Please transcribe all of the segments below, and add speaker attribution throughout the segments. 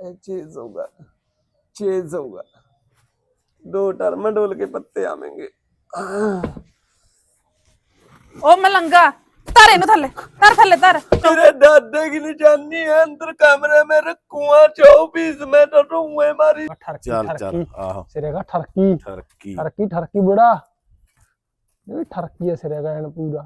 Speaker 1: Chase होगा, chase होगा। 2 टर्माडोल के पत्ते आवेंगे।
Speaker 2: ओ मलंगा तारे नु थल्ले तर
Speaker 1: तेरे दादे की निशानी है अंदर कमरे में रखूंगा 24 में तो रूए मारी।
Speaker 3: चल चल आहो
Speaker 4: सिरेगा ठरकी
Speaker 3: ठरकी
Speaker 4: ठरकी ठरकी बुढ़ा ये ठरकी है सिरेगा एन पूरा।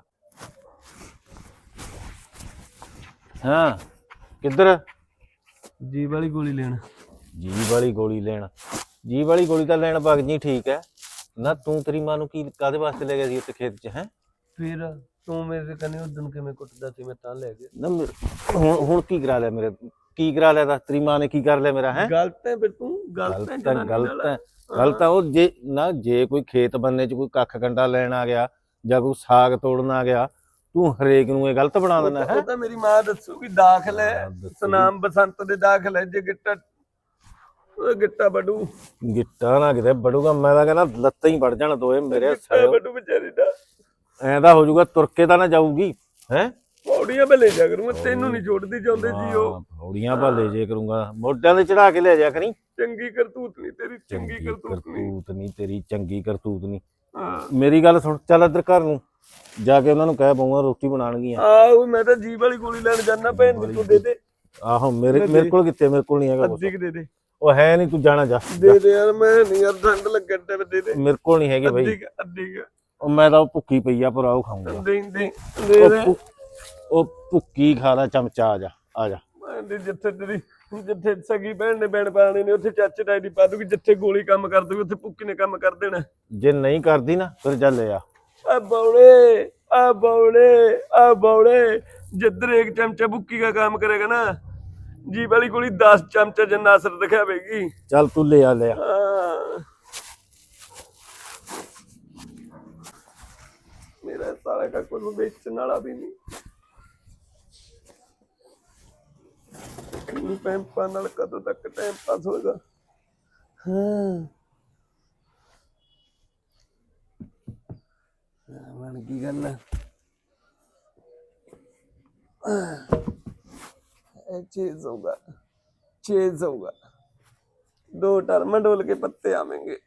Speaker 3: हाँ किधर
Speaker 1: जी वाली गोली लेना।
Speaker 3: जी वाली गोली लेना जी वाली गोली तो लेना भग जी ठीक है ना तू तेरी मां नू की कादे वास्ते ले गया सी उत्ते खेत च हैं
Speaker 1: फिर तू मेरे से कने उदन के मैं कुटदा सी मैं तां ले गया
Speaker 3: ना हुण की करा लिया मेरे की करा लिया दस तेरी मां ने की कर लिया मेरा है
Speaker 1: गलत है फिर तू गलत है
Speaker 3: गलत है वो जे ना जे कोई खेत बनने च कोई कख कंडा लेन आ गया ਜਾਂ ਕੋਈ ਸਾਗ ਤੋੜਨ ਆ ਗਿਆ ਤੂੰ ਹਰੇਕ ਨੂੰ ਇਹ ਗਲਤ ਬਣਾ ਦੇਣਾ ਹੈ।
Speaker 1: ਉਹ ਤਾਂ ਮੇਰੀ ਮਾਂ ਦੱਸੂਗੀ ਦਾਖਲ ਹੈ ਸਨਾਮ ਬਸੰਤ ਦੇ ਦਾਖਲ ਹੈ ਜੇ ਗਿੱਟਾ ਬੜੂ
Speaker 3: ਗਿੱਟਾ ਨਾ ਕਿਤੇ ਬੜੂਗਾ ਮੈਂ ਤਾਂ ਕਹਿੰਦਾ ਲੱਤਾਂ ਹੀ ਵੜ ਜਾਣ ਦੋਏ ਮੇਰੇ
Speaker 1: ਸਿਰ ਬੜੂ ਵਿਚਾਰੀ ਦਾ
Speaker 3: ਐਂਦਾ ਹੋ ਜਾਊਗਾ ਤੁਰ ਕੇ ਤਾਂ ਨਾ ਜਾਊਗੀ ਹੈ
Speaker 1: ਪੌੜੀਆਂ 'ਤੇ ਲੈ ਜਾ ਕਰੂੰਗਾ ਤੈਨੂੰ ਨਹੀਂ ਛੋੜਦੀ ਚਾਹੁੰਦੇ ਜੀ ਉਹ
Speaker 3: ਪੌੜੀਆਂ 'ਤੇ ਲੈ ਜੇ ਕਰੂੰਗਾ ਮੋਢਿਆਂ ਤੇ ਚੜਾ ਕੇ ਲੈ ਜਾ ਕਰੀ
Speaker 1: ਚੰਗੀ ਕਰਤੂਤ ਨਹੀਂ ਤੇਰੀ ਚੰਗੀ ਕਰਤੂਤ
Speaker 3: ਨਹੀਂ ਤੇਰੀ ਚੰਗੀ ਕਰਤੂਤ ਨਹੀਂ ਮੇਰੀ ਗੱਲ ਸੁਣ ਚੱਲ ਇੱਧਰ ਘਰ ਨੂੰ ਜਾ ਕੇ ਉਹਨਾਂ ਨੂੰ ਕਹਿ ਪਾਉਂਗਾ ਰੋਟੀ ਬਣਾਣਗੀਆਂ
Speaker 1: ਆਹੋ ਮੈਂ ਤਾਂ ਜੀਭ ਵਾਲੀ ਗੋਲੀ ਲੈਣ ਜਾਣਾ ਭੈਣ ਦੀ ਤੂੰ ਦੇ ਦੇ
Speaker 3: ਆਹੋ ਮੇਰੇ ਕੋਲ ਕਿੱਥੇ ਮੇਰੇ ਕੋਲ ਨਹੀਂ ਹੈਗਾ
Speaker 1: ਅੱਧੀ ਦੇ ਦੇ
Speaker 3: ਉਹ ਹੈ ਨਹੀਂ ਤੂੰ ਜਾਣਾ ਜਾ
Speaker 1: ਦੇ ਦੇ ਯਾਰ ਮੈਂ ਨਹੀਂ ਯਾਰ ਠੰਡ ਲੱਗਣ ਤੇ ਦੇ ਦੇ
Speaker 3: ਮੇਰੇ ਕੋਲ ਨਹੀਂ ਹੈਗੇ ਬਾਈ
Speaker 1: ਅੱਧੀ
Speaker 3: ਉਹ ਮੈਂ ਤਾਂ ਭੁੱਖੀ ਪਈ ਆ ਪਰ ਆਉ ਖਾਊਂਗਾ
Speaker 1: ਦੇ ਦੇ ਦੇ
Speaker 3: ਉਹ ਭੁੱਕੀ ਖਾ ਲੈ ਚਮਚਾ ਆ ਜਾ
Speaker 1: ਮੈਂ ਜਿੱਥੇ ਸਗੀ ਭੈਣ ਨੇ ਬੈਣ ਪਾਣੇ ਨੇ ਉੱਥੇ ਚਾਚੇ ਤਾਏ ਦੀ ਪਾ ਦੂਗੀ ਜਿੱਥੇ ਗੋਲੀ ਕੰਮ ਕਰ ਦੂਗੀ ਉੱਥੇ ਭੁੱਕੀ ਨੇ ਕੰਮ ਕਰ ਦੇਣਾ
Speaker 3: ਜੇ ਨਹੀਂ ਕਰਦੀ ਨਾ ਫਿਰ ਚੱਲ ਆ
Speaker 1: बौड़े जिधर एक चमचा बुक्की का काम करेगा ना जी वाली गोली 10 चमचा जन्ना असर दिखावेगी।
Speaker 3: चल तू ले आ
Speaker 1: मेरा सारा का कोई बेचने वाला भी नहीं पैंपा नाल कदों तक टाइम पास होगा। बन की गल चेज होगा 2 टर्माडोल के पत्ते आवेंगे।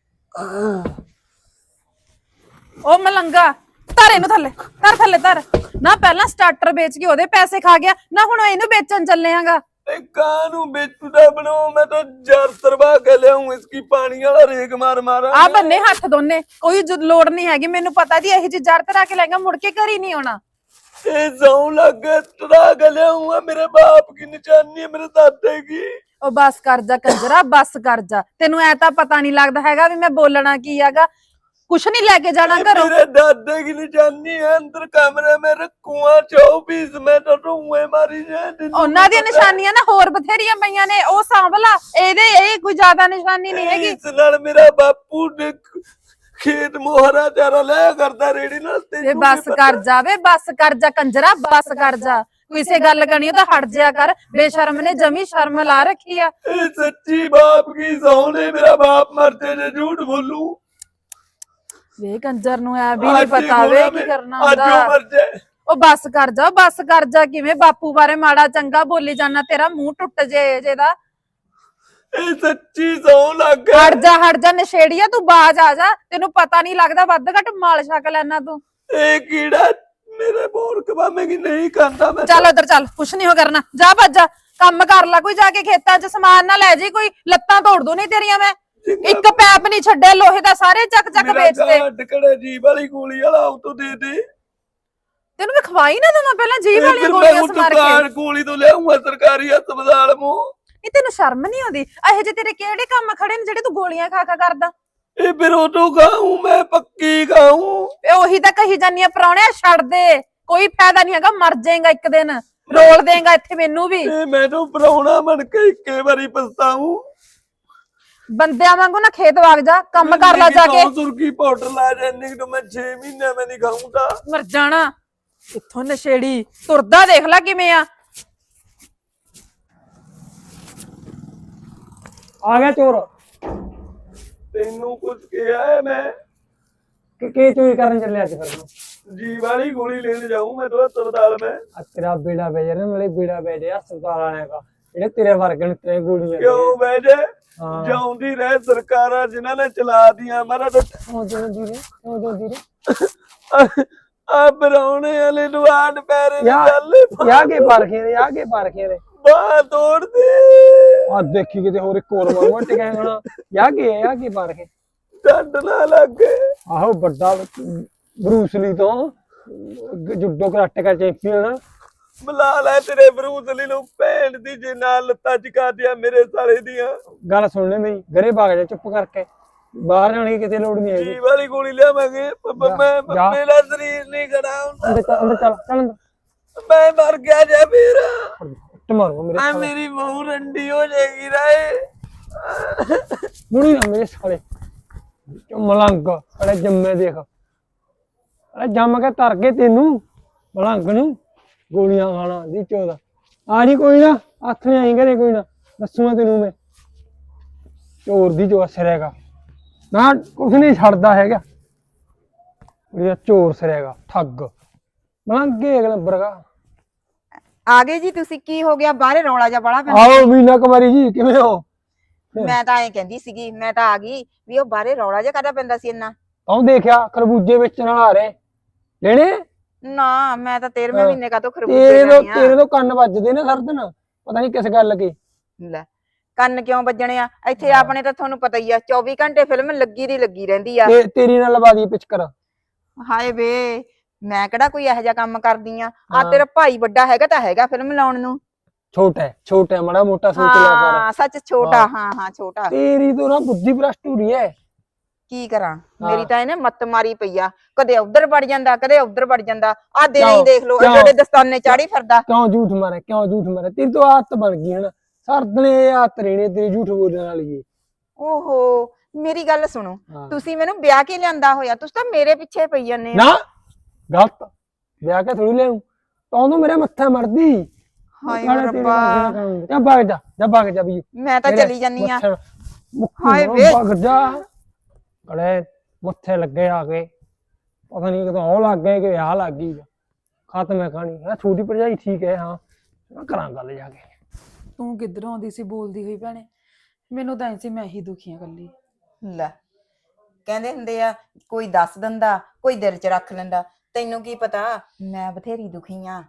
Speaker 2: ओ मलंगा तारे नु थल्ले तर ना पहला स्टार्टर बेच के ओदे पैसे खा गया ना हुण इनु बेचन चले आंगा
Speaker 1: कानू बेचूदा बनाओ मैं तो जार तरवा के ले आऊं इसकी पानी वाला रेग मार मारा
Speaker 2: आ बन्ने हाथ दोने कोई लोड़ नहीं हैगी मेनू पता दी यही जी जार तरा के लेगा मुड़ के घर ही नहीं होना
Speaker 1: ए जाऊं लग तरा के ले आऊं मेरे बाप की निशानी है मेरे दादे की।
Speaker 2: ओ बस कर जा कंजरा बस कर जा तेनू ऐ तां पता नहीं लगदा हैगा भी मैं बोलना की हैगा कुछ नहीं लेके जाना घरों
Speaker 1: मेरे दादे की निशानी है अंदर कमरे में रखूंगा 24 में तो रूए मारी जाए
Speaker 2: ਉਹਨਾਂ ਦੀਆਂ ਨਿਸ਼ਾਨੀਆਂ ਨਾ ਹੋਰ ਬਥੇਰੀਆਂ ਪਈਆਂ ਨੇ ਉਹ ਸਾਂਭਲਾ ਇਹਦੇ ਇਹ ਕੋਈ ਜ਼ਿਆਦਾ ਨਿਸ਼ਾਨੀ ਨਹੀਂ ਹੈਗੀ।
Speaker 1: ਇਸ ਨਾਲ ਮੇਰਾ ਬਾਪੂ ਨੇ ਖੇਤ ਮੋਹਰਾ ਚਾਰਾ ਲੈ ਕਰਦਾ ਰੇੜੀ ਨਾਲ
Speaker 2: ਤੇ ਬਸ ਕਰ ਜਾਵੇ ਬਸ ਕਰ ਜਾ ਕੰਜਰਾ ਬਸ ਕਰ ਜਾ ਕਿਸੇ ਗੱਲ ਕਰਨੀ ਤਾਂ ਹਟ ਜਿਆ ਕਰ ਬੇਸ਼ਰਮ ਨੇ ਜਮੀ ਸ਼ਰਮ ਲਾ ਰੱਖੀ ਆ।
Speaker 1: ਇਹ ਸੱਚੀ ਬਾਪ ਕੀ ਸੌਂ ਨੇ ਮੇਰਾ ਬਾਪ ਮਰਤੇ ਜੇ ਝੂਠ ਬੋਲੂ
Speaker 2: ਵੇ ਕੰਜਰ ਨੂੰ ਐ ਵੀ ਨਹੀਂ ਪਤਾ ਵੇ ਕੀ ਕਰਨਾ ਹੁੰਦਾ
Speaker 1: ਮਰ ਜਾਏ।
Speaker 2: ਉਹ ਬਸ ਕਰ ਜਾ ਕਿਵੇਂ ਬਾਪੂ ਬਾਰੇ ਮਾੜਾ ਚੰਗਾ ਬੋਲੀ ਜਾਣਾ ਤੇਰਾ ਮੂੰਹ ਟੁੱਟ ਜੇ ਜਿਹਦਾ
Speaker 1: ਇਹ ਸੱਚੀ ਸੌਂ ਲੱਗ
Speaker 2: ਹਟ ਜਾ ਨਸ਼ੇੜੀਆ ਤੂੰ ਬਾਜ ਆ ਜਾ ਤੈਨੂੰ ਪਤਾ ਨਹੀਂ ਲੱਗਦਾ ਵੱਧ ਘੱਟ ਮਾਲ ਛਕ ਲੈਣਾ ਤੂੰ
Speaker 1: ਇਹ ਕੀੜਾ ਮੇਰੇ ਬੋਰ ਕਵਾਵੇਂਗੀ ਨਹੀਂ ਕਰਦਾ ਮੈਂ
Speaker 2: ਚੱਲ ਉਧਰ ਚੱਲ ਕੁਛ ਨਹੀਂ ਹੋ ਕਰਨਾ ਜਾ ਭੱਜ ਕੰਮ ਕਰ ਲੈ ਕੋਈ ਜਾ ਕੇ ਖੇਤਾਂ 'ਚ ਸਮਾਨ ਨਾ ਲੈ ਜੀ ਕੋਈ ਲੱਤਾਂ ਤੋੜ ਦੂ ਨਹੀਂ ਤੇਰੀਆਂ ਮੈਂ ਇੱਕ ਪੈਪ ਨਹੀਂ ਛੱਡੇ ਲੋਹੇ ਦਾ ਸਾਰੇ ਚੱਕ ਵੇਚ ਦੇ
Speaker 1: ਟਕੜੇ ਜੀਬ ਵਾਲੀ ਗੋਲੀ ਵਾਲਾ ਉਹ ਤੋਂ ਦੇ ਦੇ
Speaker 2: ਤੈਨੂੰ ਮੈਂ ਖਵਾਈ ਨਾ ਦਵਾਂ ਪਹਿਲਾਂ ਜੀਭ ਵਾਲੀਆਂ ਗੋਲੀਆਂ ਸਮਾਰ ਕੇ
Speaker 1: ਗੋਲੀ ਤੋਂ ਲਿਆਉਂਗਾ ਸਰਕਾਰੀ ਹਸਪਤਾਲ ਮੂੰ
Speaker 2: ਨਹੀਂ ਤੈਨੂੰ ਸ਼ਰਮ ਨਹੀਂ ਆਉਂਦੀ ਇਹੋ ਜਿਹੇ ਤੇਰੇ ਕਿਹੜੇ ਕੰਮ ਖੜੇ ਨੇ ਜਿਹੜੇ ਤੂੰ ਗੋਲੀਆਂ ਖਾ ਕਰਦਾ
Speaker 1: ਇਹ ਫਿਰ ਉਹ ਤੋਂ ਖਾਊਂ ਮੈਂ ਪੱਕੀ ਖਾਊਂ
Speaker 2: ਇਹ ਉਹੀ ਤਾਂ ਕਹੀ ਜਾਨੀ ਆ ਪ੍ਰਾਹੁਣਿਆ ਛੱਡ ਦੇ ਕੋਈ ਫਾਇਦਾ ਨਹੀਂ ਹੈਗਾ ਮਰ ਜਾਏਗਾ ਇੱਕ ਦਿਨ ਰੋਲ ਦੇਗਾ ਇੱਥੇ ਮੈਨੂੰ ਵੀ
Speaker 1: ਇਹ ਮੈਨੂੰ ਪ੍ਰਾਹੁਣਾ ਬਣ ਕੇ ਇੱਕੇ ਵਾਰੀ ਪਛਤਾਊਂ
Speaker 2: ਬੰਦਿਆਂ ਵਾਂਗੂ ਨਾ ਖੇਤ ਵਗ ਜਾ ਕੰਮ ਕਰ ਲੈ ਜਾ ਕੇ
Speaker 1: ਸੁਰਖੀ ਪਾਊਡਰ ਲਾ ਜਾਂਦੀ ਤਾਂ ਮੈਂ 6 ਮਹੀਨੇ ਮੈਂ ਨਹੀਂ ਖਾਊਂਗਾ
Speaker 2: ਮਰ ਜਾਣਾ ਇੱਥੋਂ ਨਸ਼ੇੜੀ ਤੁਰਦਾ ਦੇਖ ਲੈ ਕਿਵੇਂ ਆ
Speaker 4: गया चोर
Speaker 1: ਤੈਨੂੰ ਕੁਝ ਕਿਹਾ ਹੈ ਮੈਂ
Speaker 4: के चोरी करने चले आज फिर
Speaker 1: जी वाली गोली लेने जाऊं मैं तो अस्पताल में
Speaker 4: तेरा बेड़ा भेज रहे मेरे बेड़ा भेजे अस्पताल आने का ਜਿਹੜੇ ਤੇਰੇ ਵਰਗੇ ਨੂੰ ਤੇਰੇ ਗੋਲੀਆਂ
Speaker 1: ਕਿਉਂ ਬਹਿ ਜੇ
Speaker 4: ਹਾਂ
Speaker 1: ਜਾਉਂਦੀ ਰਹਿ ਸਰਕਾਰਾਂ ਜਿਨ੍ਹਾਂ ਨੇ ਚਲਾ ਦੀਆਂ ਮਾਰਾ
Speaker 4: ਕਿਉਂ ਜਾਂਦੀ ਰੇ
Speaker 1: ਆ ਬਰਾਉਣੇ ਵਾਲੇ ਨੂੰ ਆਣ ਪੈਰੇ ਦੀ
Speaker 4: ਯਾ
Speaker 1: ਗੱਲ
Speaker 4: ਯਾ ਕੇ ਪਾਰਖੇ ਰੇ ਯਾ ਕੇ ਪਾਰਖੇ ਰੇ
Speaker 1: ਬਾਹ ਤੋੜ ਦੇ
Speaker 4: ਆ ਦੇਖੀ ਕਿਤੇ ਹੋਰ ਇੱਕ ਹੋਰ ਮਰ ਟਿਕਿਆ ਹੋਣਾ ਯਾ ਕੇ ਪਾਰਖੇ
Speaker 1: ਡੰਡ ਨਾ ਲੱਗੇ
Speaker 4: ਆਹੋ ਵੱਡਾ ਬਰੂਸਲੀ ਤੋਂ ਜੁੱਡੋ ਕਰਾਟੇ ਦਾ ਚੈਂਪੀਅਨ
Speaker 1: ਬੁਲਾ ਲੈ ਤੇਰੇ ਬਰੂਸਲੀ ਨੂੰ ਭੈਣ ਦੀ ਜੇ ਨਾਲ ਲੱਤਾਂ ਚਕਾ ਦਿਆ ਮੇਰੇ ਸਾਲੇ ਦੀਆਂ
Speaker 4: ਗੱਲ ਸੁਣ ਲੈ ਮੇਰੀ ਘਰੇ ਭਾਗ ਜਾ ਚੁੱਪ ਕਰਕੇ ਬਾਹਰ ਜਾਣ ਦੀ ਕਿਤੇ ਲੋੜ ਨਹੀਂ ਹੈਗੀ
Speaker 1: ਜੀ ਵਾਲੀ ਗੋਲੀ ਲਿਆਵਾਂਗੇ ਮੈਂ
Speaker 4: ਜਾ।
Speaker 1: ਮੇਰਾ ਸਰੀਰ ਨਹੀਂ ਖੜਾ ਹੁੰਦਾ
Speaker 4: ਅੰਦਰ ਚੱਲ ਅੰਦਰ
Speaker 1: ਮੈਂ ਮਰ ਗਿਆ ਜੇ ਵੀਰ
Speaker 4: ਤੇ ਮਾਰੋ ਮੇਰੇ
Speaker 1: ਆ
Speaker 4: ਸਾਲੇ
Speaker 1: ਮੇਰੀ ਬਹੂ ਰੰਡੀ ਹੋ ਜਾਏਗੀ ਰਾਏ
Speaker 4: ਮੁੜੀ ਨਾ ਮੇਰੇ ਸਾਲੇ ਮਲੰਗ ਅਰੇ ਜੰਮੇ ਦੇਖ ਅਰੇ ਜੰਮ ਕੇ ਧਰ ਕੇ ਤੈਨੂੰ ਮਲੰਗ ਨੂੰ ਗੋਲੀਆਂ ਖਾਣਾ ਦੀ ਚੋਦਾ ਆ ਨਹੀਂ ਕੋਈ ਨਾ ਹੱਥ ਨਹੀਂ ਆਈ ਘਰੇ ਕੋਈ ਨਾ ਦੱਸੂਗਾ ਤੈਨੂੰ ਮੈਂ ਚੋਰ ਦੀ ਜੋ ਅਸਰ ਹੈਗਾ ਨਾ ਕੁਛ ਨਹੀਂ ਛੱਡਦਾ ਹੈਗਾ ਇਹ ਚੋਰ ਸਰੇਗਾ ਠੱਗ ਮਲੰਗੇ ਇੱਕ ਨੰਬਰ ਦਾ
Speaker 5: ਆ ਗਏ ਜੀ ਤੁਸੀਂ ਕੀ ਹੋ ਗਿਆ ਬਾਹਰੇ ਰੌਲਾ ਜਿਹਾ ਬੜਾ ਪੈਂਦਾ
Speaker 4: ਆਓ ਮੀਨਾ ਕੁਮਾਰੀ ਜੀ ਕਿਵੇਂ ਹੋ
Speaker 5: ਮੈਂ ਤਾਂ ਐਂ ਕਹਿੰਦੀ ਸੀਗੀ ਮੈਂ ਤਾਂ ਆ ਗਈ ਵੀ ਉਹ ਬਾਹਰੇ ਰੌਲਾ ਜਿਹਾ ਕਾਹਦਾ ਪੈਂਦਾ ਸੀ ਇੰਨਾ
Speaker 4: ਆਉਂ ਦੇਖਿਆ ਖਰਬੂਜੇ ਵੇਚਣ ਵਾਲਾ ਆ ਰਹੇ ਲੈਣੇ
Speaker 5: ਨਾ ਮੈਂ ਤਾਂ 13ਵੇਂ
Speaker 4: ਹਾਂ।
Speaker 5: ਮਹੀਨੇ ਕਾ ਤੋਂ ਖਰਬੂਜੇ ਲੈਣੀ
Speaker 4: ਤੇਰੇ
Speaker 5: ਆ
Speaker 4: ਤੋਂ ਕੰਨ ਵੱਜਦੇ ਨੇ ਹਰ ਦਿਨ ਪਤਾ ਨਹੀਂ ਕਿਸ ਗੱਲ ਕੀ
Speaker 5: ਲੈ ਕੰਨ ਕਿਉਂ ਵੱਜਣੇ ਆ ਇੱਥੇ ਆਪਣੇ ਤਾਂ ਤੁਹਾਨੂੰ ਪਤਾ ਹੀ ਆ 24 ਘੰਟੇ ਫਿਲਮ ਲੱਗੀ ਦੀ ਲੱਗੀ ਰਹਿੰਦੀ ਆ
Speaker 4: ਤੇਰੀ ਨਾਲ ਲਵਾ ਦੀ ਪਿਚਕਰ
Speaker 5: ਹਾਏ ਵੇ ਮੈਂ ਕਿਹੜਾ ਕੋਈ ਇਹੋ ਜਿਹਾ ਕੰਮ ਕਰਦੀ ਆ
Speaker 4: ਹਾਂ।
Speaker 5: ਤੇਰਾ ਭਾਈ ਵੱਡਾ ਹੈਗਾ ਤਾਂ ਹੈਗਾ ਫਿਲਮ ਲਾਉਣ ਨੂੰ
Speaker 4: ਛੋਟਾ ਹੈ ਮਾੜਾ ਮੋਟਾ ਸੋਚ ਲਿਆ ਕਰ
Speaker 5: ਹਾਂ ਸੱਚ ਛੋਟਾ ਹਾਂ ਛੋਟਾ
Speaker 4: ਤੇਰੀ ਤੋਂ ਨਾ ਬੁੱਧੀ ਭ੍ਰਸ਼ਟ ਹੋ ਰਹੀ ਹੈ
Speaker 5: ਕੀ ਕਰਾਂ ਮੇਰੀ ਤਾਂ ਇਹਨੇ ਮੱਤ ਮਾਰੀ ਪਈ ਆ ਕਦੇ ਉਧਰ ਵੜ ਜਾਂਦਾ ਕਦੇ ਉਧਰ ਵੜ ਜਾਂਦਾ ਆ ਦਿਨ ਹੀ
Speaker 4: ਕਿਉਂ?
Speaker 5: ਦੇਖ ਲੋ
Speaker 4: ਕਿਉਂ?
Speaker 5: ਜਿਹੜੇ ਦਸਤਾਨੇ ਚਾੜੀ ਫਿਰਦਾ
Speaker 4: ਕਿਉਂ ਝੂਠ ਮਾਰੇ ਤੇਰੀ ਤੋਂ ਆਦਤ ਬਣ ਗਈ ਹੈ ਨਾ ਸਰਦਨੇ ਆਦਤ ਰਹਿਣੀ ਤੇਰੀ ਝੂਠ ਬੋਲਣ ਵਾਲੀ
Speaker 5: ਓਹੋ ਮੇਰੀ ਗੱਲ ਸੁਣੋ
Speaker 4: ਹਾਂ।
Speaker 5: ਤੁਸੀਂ ਮੈਨੂੰ ਵਿਆਹ ਕੇ ਲਿਆਂਦਾ ਹੋਇਆ ਤੁਸੀਂ ਤਾਂ ਮੇਰੇ ਪਿੱਛੇ ਪਈ ਜਾਂਦੇ
Speaker 4: ਨਾ ਗਲਤ ਵਿਆਹ ਕੇ ਥੋੜੀ ਲੈਉ ਤੂੰ ਮੇਰੇ ਮੱਥੇ ਮਰਦੀ
Speaker 5: ਹਾਏ
Speaker 4: ਨਾਲੇ ਤੇਰੇ
Speaker 5: ਰੱਬਾ
Speaker 4: ਵਰਗੇ ਨਾਲ ਕੰਮ। ਜਾ ਭਾਗ ਜਾ ਵੀ
Speaker 5: ਮੈਂ ਤਾਂ ਚਲੀ ਜਾਨੀ ਆ ਹਾਏ
Speaker 4: ਹਾਏ
Speaker 5: ਵੇ।
Speaker 4: ਭਾਗ ਜਾ ਅੜੇ ਮੱਥੇ ਲੱਗੇ ਆ ਕੇ ਪਤਾ ਨਹੀਂ ਕਿਦੋਂ ਉਹ ਲੱਗ ਗਏ ਕਿ ਆ ਲੱਗ ਗਈ ਖਤਮ ਹੈ ਕਹਾਣੀ ਹੈ ਛੋਟੀ ਭਰਜਾਈ ਠੀਕ ਹੈ ਹਾਂ ਮੈਂ ਕਰਾਂ ਗੱਲ ਜਾ ਕੇ
Speaker 2: ਤੂੰ ਕਿੱਧਰੋਂ ਆਉਂਦੀ ਸੀ ਬੋਲਦੀ ਹੋਈ ਭੈਣੇ ਮੈਨੂੰ ਤਾਂ ਐਂ ਸੀ ਮੈਂ ਹੀ ਦੁਖੀ ਆ ਕੱਲੀ
Speaker 5: ਲੈ ਕਹਿੰਦੇ ਹੁੰਦੇ ਆ ਕੋਈ ਦੱਸ ਦਿੰਦਾ ਕੋਈ ਦਿਲ 'ਚ ਰੱਖ ਲੈਂਦਾ ਤੈਨੂੰ ਕੀ ਪਤਾ ਮੈਂ ਬਥੇਰੀ ਦੁਖੀ ਆ